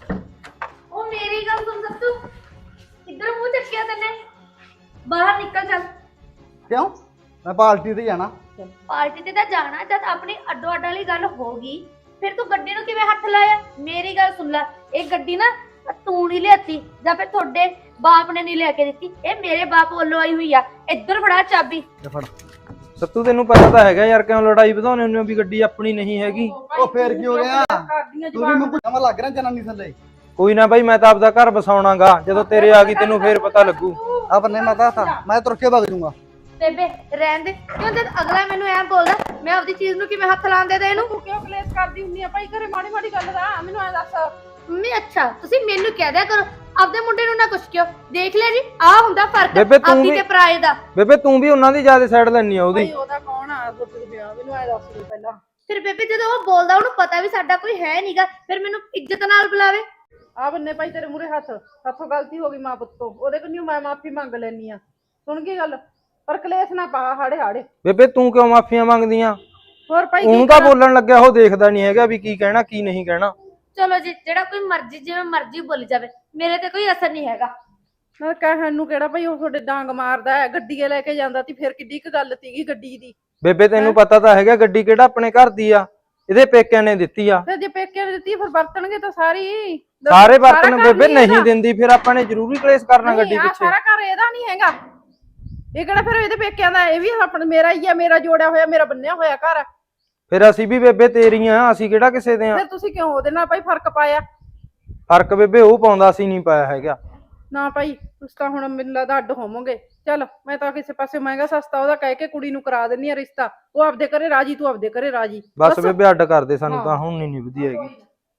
ਉਹ ਮੇਰੀ ਗੱਲ ਸੁਣ ਸਭ ਤੂੰ। ਇੱਧਰ ਮੂੰਹ ਚੱਕਿਆ ਤੈਨੇ। ਬਾਹਰ ਨਿਕਲ ਚੱਲ। ਕਿਉਂ? ਮੈਂ ਪਾਰਟੀ ਤੇ ਜਾਣਾ। ਪਾਰਟੀ ਤੇ ਤਾਂ ਜਾਣਾ। ਜਦ ਆਪਣੀ ਅੱਡੋ ਅੱਡ ਵਾਲੀ ਗੱਲ ਹੋ ਗਈ, ਫਿਰ ਤੂੰ ਗੱਡੀ ਨੂੰ ਕਿਵੇਂ ਹੱਥ ਲਾਇਆ? ਮੇਰੀ ਗੱਲ ਸੁਣ ਲੈ, ਇਹ ਗੱਡੀ ਨਾ ਤੂੰ ਨਹੀਂ ਲਿਆਤੀ ਜਾਂ ਫਿਰ ਤੁਹਾਡੇ ਬਾਪ ਨੇ ਨਹੀਂ ਲਿਆ ਕੇ ਦਿੱਤੀ। ਇਹ ਮੇਰੇ ਬਾਪ ਵੱਲੋਂ ਆਈ ਹੋਈ ਆ। ਇੱਧਰ ਫੜਾ ਚਾਬੀ। ਤੇ ਫੜ। ਸੱਤੂ ਤੈਨੂੰ ਪਤਾ ਤਾਂ ਹੈਗਾ ਯਾਰ, ਕਿਉਂ ਲੜਾਈ ਵਧਾਉਣੇ ਹੁੰਦੇ ਹੋ ਵੀ ਗੱਡੀ ਆਪਣੀ ਨਹੀਂ ਹੈਗੀ। ਉਹ ਫੇਰ ਕੀ ਹੋ ਗਿਆ? ਕਰਦੀਆਂ ਤੂੰ ਵੀ ਮੈਨੂੰ ਜਮਾ ਲੱਗ ਰਿਹਾ ਜਨਾਨੀ ਥੱਲੇ। ਕੋਈ ਨਾ ਬਾਈ, ਮੈਂ ਤਾਂ ਆਪਦਾ ਘਰ ਬਸਾਉਣਾਗਾ। ਜਦੋਂ ਤੇਰੇ ਆ ਗਈ ਤੈਨੂੰ ਫੇਰ ਪਤਾ ਲੱਗੂ। ਆ ਬੰਨੇ ਮਾਤਾ ਥਾ, ਮੈਂ ਤੁਰ ਕੇ ਭੱਜ ਜੂੰਗਾ। ਬੇਬੇ ਰਹਿਣ ਦੇ। ਕਿਉਂ ਜਦ ਅਗਲਾ ਮੈਨੂੰ ਐਂ ਬੋਲਦਾ, ਮੈਂ ਆਪਦੀ ਚੀਜ਼ ਨੂੰ ਕਿਵੇਂ ਹੱਥ ਲਾਉਣ ਦੇ ਇਹਨੂੰ? ਤੂੰ ਕਿਉਂ ਕਲੇਸ਼ ਕਰਦੀ ਹੁੰਨੀ ਆ ਭਾਈ ਘਰੇ? ਮਾੜੀ ਮਾੜੀ ਗੱਲ ਦਾ ਮੈਨੂੰ ਐ ਦੱਸ। ਮੰਮੀ ਅੱਛਾ ਤੁਸੀਂ ਮੈਨੂੰ ਕਹਿ ਦਿਆ ਕਰੋ, ਆਪਦੇ ਮੁੰਡੇ ਨੂੰ ਨਾ ਕੁਛ ਕਿਉਂ। ਦੇਖ ਲਿਆ ਜੀ, ਆ ਹੁੰਦਾ ਫਰਕ ਬੇਬੇ ਤੂੰ ਆਪਦੀ ਵੀ- ਤੇ ਪਰਾਏ ਦਾ। ਬੇਬੇ ਤੂੰ ਵੀ ਉਹਨਾਂ ਦੀ ਜ਼ਿਆਦਾ ਸਾਈਡ ਲੈਣੀ ਆ ਉਹਦੀ। ਭਾਈ ਉਹਦਾ ਕੌਣ ਆ ਦੁੱਧ ਪਿਆ? ਮੈਨੂੰ ਐ ਦੱਸ ਦੇ ਪਹਿਲਾਂ। ਫਿਰ ਬੇਬੇ ਜਦੋਂ ਉਹ ਬੋਲਦਾ ਉਹਨੂੰ ਪਤਾ ਵੀ ਸਾਡਾ ਕੋਈ ਹੈ ਨਹੀਂਗਾ, ਫਿਰ ਮੈਨੂੰ ਇੱਜ਼ਤ ਨਾਲ ਬੁਲਾਵੇ। ਆ ਬੰਨੇ ਭਾਈ ਤੇਰੇ ਮੂਹਰੇ ਹੱਥ। ਹੱਥੋਂ ਗਲਤੀ ਹੋ ਗਈ ਮਾਂ ਪੁੱਤ ਤੋਂ। ਉਹਦੇ ਕੋਲ ਮੈਂ ਮਾਫੀ ਮੰਗ ਲੈਣੀ ਆ। ਸੁਣ ਗਈ ਗੱਲ? ਪਰ ਕਲੇਸ਼ ਨਾ ਪਾ ਹਾੜੇ ਹਾੜੇ। ਬੇਬੇ ਤੂੰ ਕਿਉਂ ਮਾਫੀਆਂ ਮੰਗਦੀਆਂ? ਹੋਰ ਭਾਈ ਉਹਨੂੰ ਤਾਂ ਬੋਲਣ ਲੱਗਿਆ ਉਹ ਦੇਖਦਾ ਨਹੀਂ ਹੈਗਾ ਵੀ ਕੀ ਕਹਿਣਾ ਕੀ ਨਹੀਂ ਕਹਿਣਾ। ਚਲੋ ਜੀ, ਜਿਹੜਾ ਕੋਈ ਮਰਜ਼ੀ ਜਿਵੇਂ ਮਰਜ਼ੀ ਬੋਲੀ ਜਾਵੇ, ਮੇਰੇ ਤੇ ਕੋਈ ਅਸਰ ਨਹੀਂ ਹੈਗਾ। ਮੈਂ ਕਹਿਣ ਨੂੰ ਕਿਹੜਾ ਭਾਈ ਉਹ ਤੁਹਾਡੇ ਡਾਂਗ ਮਾਰਦਾ ਹੈ। ਗੱਡੀਏ ਲੈ ਕੇ ਜਾਂਦਾ ਤੀ, ਫਿਰ ਕਿੱਡੀ ਕੁ ਗੱਲ ਸੀਗੀ ਗੱਡੀ ਦੀ। ਬੇਬੇ ਤੈਨੂੰ ਪਤਾ ਤਾਂ ਹੈਗਾ ਗੱਡੀ ਕਿਹੜਾ ਆਪਣੇ ਘਰ ਦੀ ਆ, ਇਹਦੇ ਪੇਕਿਆਂ ਨੇ ਦਿੱਤੀ ਆ। ਤੇ ਜੇ ਪੇਕੇ ਨੇ ਦਿੱਤੀ ਫਿਰ ਵਰਤਣਗੇ ਤਾਂ ਸਾਰੇ ਬਰਤਨ ਬੇਬੇ ਨਹੀਂ ਦਿੰਦੀ, ਫਿਰ ਆਪਾਂ ਨੇ ਜ਼ਰੂਰੀ ਕਲੇਸ਼ ਕਰਨਾ ਗੱਡੀ ਪਿੱਛੇ। ਸਾਰਾ ਘਰ ਇਹਦਾ ਨਹੀਂ ਹੈਗਾ। ਇਹ ਕਿਹੜਾ ਫਿਰ ਇਹਦੇ ਪੇਕਿਆਂ ਦਾ? ਇਹ ਵੀ ਆਪਣਾ ਮੇਰਾ ਹੀ ਆ, ਮੇਰਾ ਜੋੜਿਆ ਹੋਇਆ, ਮੇਰਾ ਬੰਨਿਆ ਹੋਇਆ ਘਰ। ਫਿਰ ਅਸੀਂ ਵੀ ਬੇਬੇ ਤੇਰੀਆਂ, ਅਸੀਂ ਕਿਹੜਾ ਕਿਸੇ ਦੇ ਆ। ਫਿਰ ਤੁਸੀਂ ਕਿਉਂ ਉਹਦੇ ਨਾਲ ਭਾਈ ਫਰਕ ਪਾਇਆ? ਫਰਕ ਬੇਬੇ ਉਹ ਪਾਉਂਦਾ, ਸੀ ਨਹੀਂ ਪਾਇਆ ਹੈਗਾ। ਨਾ ਭਾਈ ਤੁਸੀਂ ਤਾਂ ਹੁਣ ਮੈਨੂੰ ਲੱਗਦਾ ਅੱਡ ਹੋਵੋਗੇ। ਚੱਲ ਮੈਂ ਤਾਂ ਕਿਸੇ ਪਾਸੇ ਮਹਿੰਗਾ ਸਸਤਾ ਉਹਦਾ ਕਹਿ ਕੇ ਕੁੜੀ ਨੂੰ ਕਰਾ ਦਿੰਨੀ ਆ ਰਿਸ਼ਤਾ। ਉਹ ਆਪਦੇ ਘਰੇ ਰਾਜੀ, ਤੂੰ ਆਪਦੇ ਘਰੇ ਰਾਜੀ। ਬਸ ਬੇਬੇ ਅੱਡ ਕਰਦੇ ਸਾਨੂੰ ਤਾਂ ਹੁਣ ਨਹੀਂ ਵਧੀਆ ਹੈਗੀ।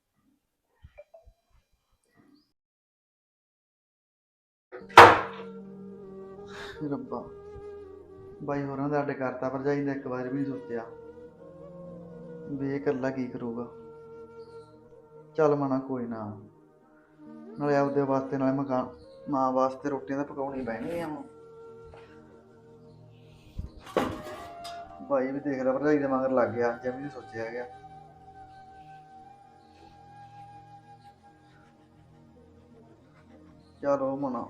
ਰੱਬਾ, ਬਾਈ ਹੋਰਾਂ ਦਾ ਅੱਡ ਕਰਤਾ, ਭਰਜਾਈ ਨੇ ਇੱਕ ਵਾਰ ਵੀ ਨਹੀਂ ਸੋਚਿਆ ਵੀ ਇਹ ਇਕੱਲਾ ਕੀ ਕਰੂਗਾ। ਚੱਲ ਮਨਾ ਕੋਈ ਨਾ, ਨਾਲੇ ਆਪਦੇ ਵਾਸਤੇ ਨਾਲੇ ਮਕਾਨ ਮਾਂ ਵਾਸਤੇ ਰੋਟੀਆਂ ਤਾਂ ਪਕਾਉਣੀ ਪੈਣਗੀਆਂ ਹੁਣ। ਬਾਈ ਵੀ ਦੇਖਦਾ ਭਰਜਾਈ ਦੇ ਮਗਰ ਲੱਗ ਗਿਆ, ਜਿਵੇਂ ਨਹੀਂ ਸੋਚਿਆ ਗਿਆ। ਚਲੋ ਮਨਾ।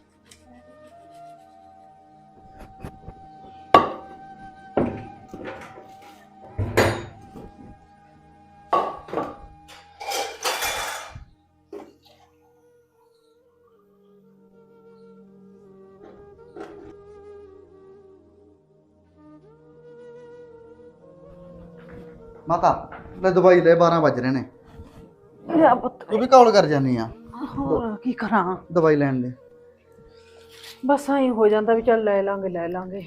ਮਾਤਾ ਲੈ ਦਵਾਈ ਲੈ, 12 ਵੱਜ ਰਹੇ ਨੇ। ਲਿਆ ਪੁੱਤ। ਤੂੰ ਵੀ ਕਾਲ ਕਰ ਜਾਨੀ ਆ ਹੋਰ ਕੀ ਕਰਾਂ, ਦਵਾਈ ਲੈਣ ਦੇ। ਬਸ ਐਂ ਹੋ ਜਾਂਦਾ ਵੀ ਚੱਲ ਲੈ ਲਾਂਗੇ ਲੈ ਲਾਂਗੇ।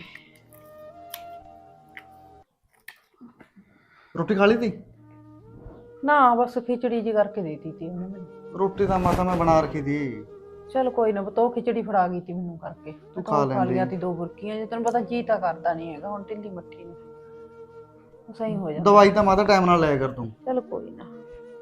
ਰੋਟੀ ਖਾ ਲਈ ਤੀ? ਨਾ ਬਸ ਖਿਚੜੀ ਜੀ ਕਰਕੇ ਦੇਤੀ ਤੀ ਉਹਨੇ ਮੈਨੂੰ। ਰੋਟੀ ਤਾਂ ਮਾਤਾ ਮੈਂ ਬਣਾ ਰੱਖੀ ਤੀ। ਚੱਲ ਕੋਈ ਨਾ ਬਤੋ, ਖਿਚੜੀ ਫੜਾ ਗਈ ਤੀ ਮੈਨੂੰ ਕਰਕੇ। ਤੂੰ ਖਾ ਲੈਂਦੀ। ਲਿਆ ਤੀ 2 ਬੁਰਕੀਆਂ, ਜੇ ਤੈਨੂੰ ਪਤਾ ਜੀ ਤਾਂ ਕਰਦਾ ਨਹੀਂ ਹੈਗਾ ਹੁਣ ਢਿੱਲੀ ਮੱਠੀ ਨੂੰ। ਸਹੀ ਹੋ ਜਾਂਦਾ। ਦਵਾਈ ਤਾਂ ਮਾਤਾ ਟਾਈਮ ਨਾਲ ਲਿਆ ਕਰ ਤੂੰ। ਚੱਲ ਕੋਈ ਨਾ।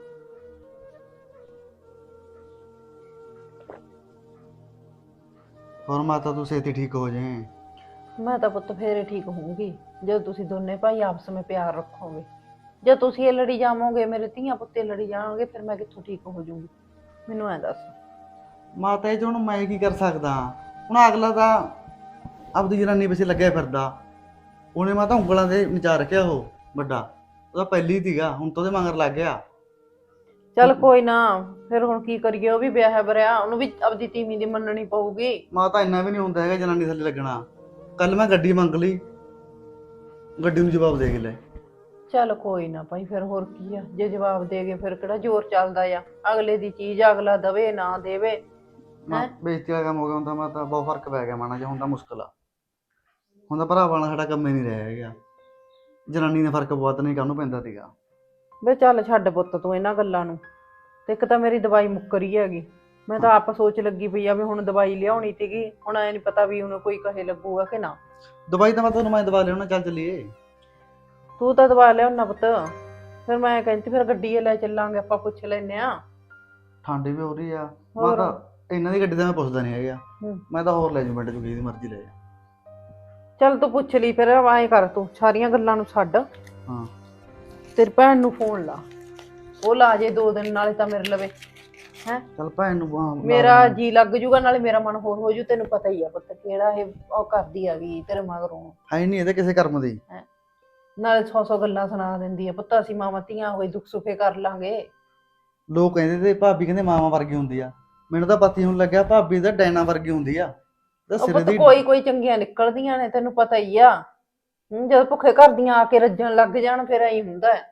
ਹੋਰ ਮਾਤਾ ਤੂੰ ਛੇਤੀ ਠੀਕ ਹੋ ਜਾਏ। ਮੈਂ ਤਾਂ ਪੁੱਤ ਫੇਰੇ ਠੀਕ ਹੋਊਂਗੀ ਜਦੋਂ ਤੁਸੀਂ ਦੋਨੇ ਭਾਈ ਆਪਸ ਵਿੱਚ ਪਿਆਰ ਰੱਖੋਗੇ। ਜੇ ਤੁਸੀਂ ਇਹ ਲੜੀ ਜਾਵੋਗੇ, ਮੇਰੇ ਧੀਆਂ ਪੁੱਤੇ ਲੜੀ ਜਾਣਗੇ, ਫਿਰ ਮੈਂ ਕਿੱਥੋਂ ਠੀਕ ਹੋ ਜਾਊਂਗੀ? ਮੈਨੂੰ ਐ ਦੱਸ। ਮਾਤਾ ਇਹ 'ਚ ਹੁਣ ਮੈਂ ਕੀ ਕਰ ਸਕਦਾ? ਹੁਣ ਅਗਲਾ ਤਾਂ ਆਪਦੀ ਜਨਾਨੀ ਪਿੱਛੇ ਲੱਗਿਆ ਫਿਰਦਾ। ਉਹਨੇ ਮਾਤਾ ਉਂਗਲਾਂ ਦੇ ਨਚਾ ਰੱਖਿਆ ਉਹ ਵੱਡਾ। ਉਹਦਾ ਪਹਿਲੀ ਸੀਗਾ, ਹੁਣ ਤਾਂ ਉਹਦੇ ਮਗਰ ਲੱਗ ਗਿਆ। ਚੱਲ ਕੋਈ ਨਾ, ਫਿਰ ਹੁਣ ਕੀ ਕਰੀਏ? ਉਹ ਵੀ ਵਿਆਹ ਬਰਿਆ, ਉਹਨੂੰ ਵੀ ਆਪਦੀ ਤੀਵੀਂ ਦੀ ਮੰਨਣੀ ਪਊਗੀ। ਮਾਤਾ ਇੰਨਾ ਵੀ ਨਹੀਂ ਹੁੰਦਾ ਹੈਗਾ ਜਨਾਨੀ ਥੱਲੇ ਲੱਗਣਾ। ਕੱਲ ਮੈਂ ਗੱਡੀ ਮੰਗ ਲਈ, ਗੱਡੀ ਨੂੰ ਜਵਾਬ ਦੇ ਕੇ ਲੈ। ਚੱਲ ਕੋਈ ਨਾ ਭਾਈ, ਫਿਰ ਹੋਰ ਕੀ ਆ? ਜੇ ਜਵਾਬ ਦੇ ਗਏ ਫਿਰ ਕਿਹੜਾ ਜ਼ੋਰ ਚੱਲਦਾ ਆ? ਅਗਲੇ ਦੀ ਚੀਜ਼ ਅਗਲਾ ਦਵੇ ਨਾ ਦੇਵੇ। ਬੇਇੱਜ਼ਤੀ ਵਾਲਾ ਕੰਮ ਹੋ ਗਿਆ ਹੁਣ ਤਾਂ ਮਾਤਾ। ਬਹੁਤ ਫਰਕ ਪੈ ਗਿਆ ਮਾਣਾ ਜਿਹਾ, ਹੁਣ ਤਾਂ ਮੁਸ਼ਕਲ ਆ। ਹੁਣ ਤਾਂ ਭਰਾਵਾਂ ਨਾਲ ਸਾਡਾ ਕੰਮ ਹੀ ਨਹੀਂ ਰਿਹਾ ਹੈਗਾ। ਜਨਾਨੀ ਨੇ ਫਰਕ ਬਹੁਤ ਨਹੀਂ ਕਾਹਨੂੰ ਪੈਂਦਾ ਸੀਗਾ। ਵੇ ਚੱਲ ਛੱਡ ਪੁੱਤ ਤੂੰ ਇਹਨਾਂ ਗੱਲਾਂ ਨੂੰ। ਤੇ ਇੱਕ ਤਾਂ ਮੇਰੀ ਦਵਾਈ ਮੁੱਕ ਰਹੀ ਹੈਗੀ। ਮੈਂ ਤਾਂ ਆਪ ਸੋਚ ਲੱਗੀ ਪਈ ਆ ਵੀ ਹੁਣ ਦਵਾਈ ਲਿਆਉਣੀ ਸੀਗੀ। ਹੁਣ ਐ ਨਹੀਂ ਪਤਾ ਵੀ ਉਹਨੂੰ ਕੋਈ ਕਹੇ ਲੱਗੂਗਾ ਕਿ ਨਾ। ਦਵਾਈ ਤਾਂ ਮੈਂ ਤੁਹਾਨੂੰ ਮੈਂ ਦਵਾ ਲਿਆਉਣਾ, ਚੱਲ ਚੱਲੀਏ। ਤੂੰ ਤਾਂ ਦਵਾ ਲਿਆਉਣਾ ਪੁੱਤ। ਫਿਰ ਮੈਂ ਕਹਿੰਦੀ ਫਿਰ ਗੱਡੀ ਲੈ ਚੱਲਾਂਗੇ, ਆਪਾਂ ਪੁੱਛ ਲੈਨੇ ਆ। ਠੰਡ ਵੀ ਹੋ ਰਹੀ ਆ ਹੋਰ। ਮਾਤਾ। ਇਹਨਾਂ ਦੀ ਗੱਡੀ ਤਾਂ ਮੈਂ ਪੁੱਛਦਾ ਨਹੀਂ ਹੈਗਾ। ਹੂੰ। ਮੈਂ ਤਾਂ ਹੋਰ ਲੈ ਜੂ ਪਿੰਡ ਚ, ਜਿਹਦੀ ਮਰਜ਼ੀ ਲੈ ਜਾ। ਚੱਲ ਤੂੰ ਪੁੱਛ ਲਈ ਫਿਰ। ਐਂ ਕਰ, ਤੂੰ ਸਾਰੀਆਂ ਗੱਲਾਂ ਨੂੰ ਛੱਡ। ਹਾਂ। ਤੇਰੀ ਭੈਣ ਨੂੰ ਫੋਨ ਲਾ, ਉਹ ਲਾ ਜੇ 2 ਦਿਨ, ਨਾਲੇ ਤਾਂ ਮੇਰੇ ਲਵੇ ਹੈ। ਚੱਲ ਭੈਣ ਨੂੰ ਮੇਰਾ ਜੀ ਲੱਗ ਜੂਗਾ, ਨਾਲੇ ਮੇਰਾ ਮਨ ਹੋਰ ਹੋ ਜੂ। ਤੈਨੂੰ ਪਤਾ ਹੀ ਆ ਪੁੱਤ ਕਿਹੜਾ ਇਹ ਉਹ ਕਰਦੀ ਆ ਗਈ ਤੇਰੇ ਮਗਰੋਂ। ਹੈ ਨਹੀਂ ਇਹਦੇ ਕਿਸੇ ਕਰਮ ਦੀ। ਨਾਲੇ 100 ਗੱਲਾਂ ਸੁਣਾ ਦਿੰਦੀ ਆ। ਪੁੱਤ ਅਸੀਂ ਮਾਵਾਂ ਧੀਆਂ ਹੋਏ ਦੁੱਖ ਸੁੱਖੇ ਕਰ ਲਾਂਗੇ। ਲੋਕ ਕਹਿੰਦੇ ਤੇ ਭਾਬੀ ਕਹਿੰਦੇ ਮਾਵਾਂ ਵਰਗੀ ਹੁੰਦੀ ਆ। ਮੈਨੂੰ ਤਾਂ ਪਤੀ ਹੁਣ ਲੱਗਿਆ ਭਾਬੀ ਤਾਂ ਡੈਨਾ ਵਰਗੀ ਹੁੰਦੀ ਆ। ਉਹ ਪੁੱਤ ਕੋਈ ਚੰਗੀਆਂ ਨਿਕਲਦੀਆਂ ਨੇ, ਤੈਨੂੰ ਪਤਾ ਹੀ ਆ। ਜਦੋਂ ਭੁੱਖੇ ਘਰ ਦੀਆਂ ਆ ਕੇ ਰੱਜਣ ਲੱਗ ਜਾਣ ਫਿਰ ਐਂ ਹੁੰਦਾ ਹੈ।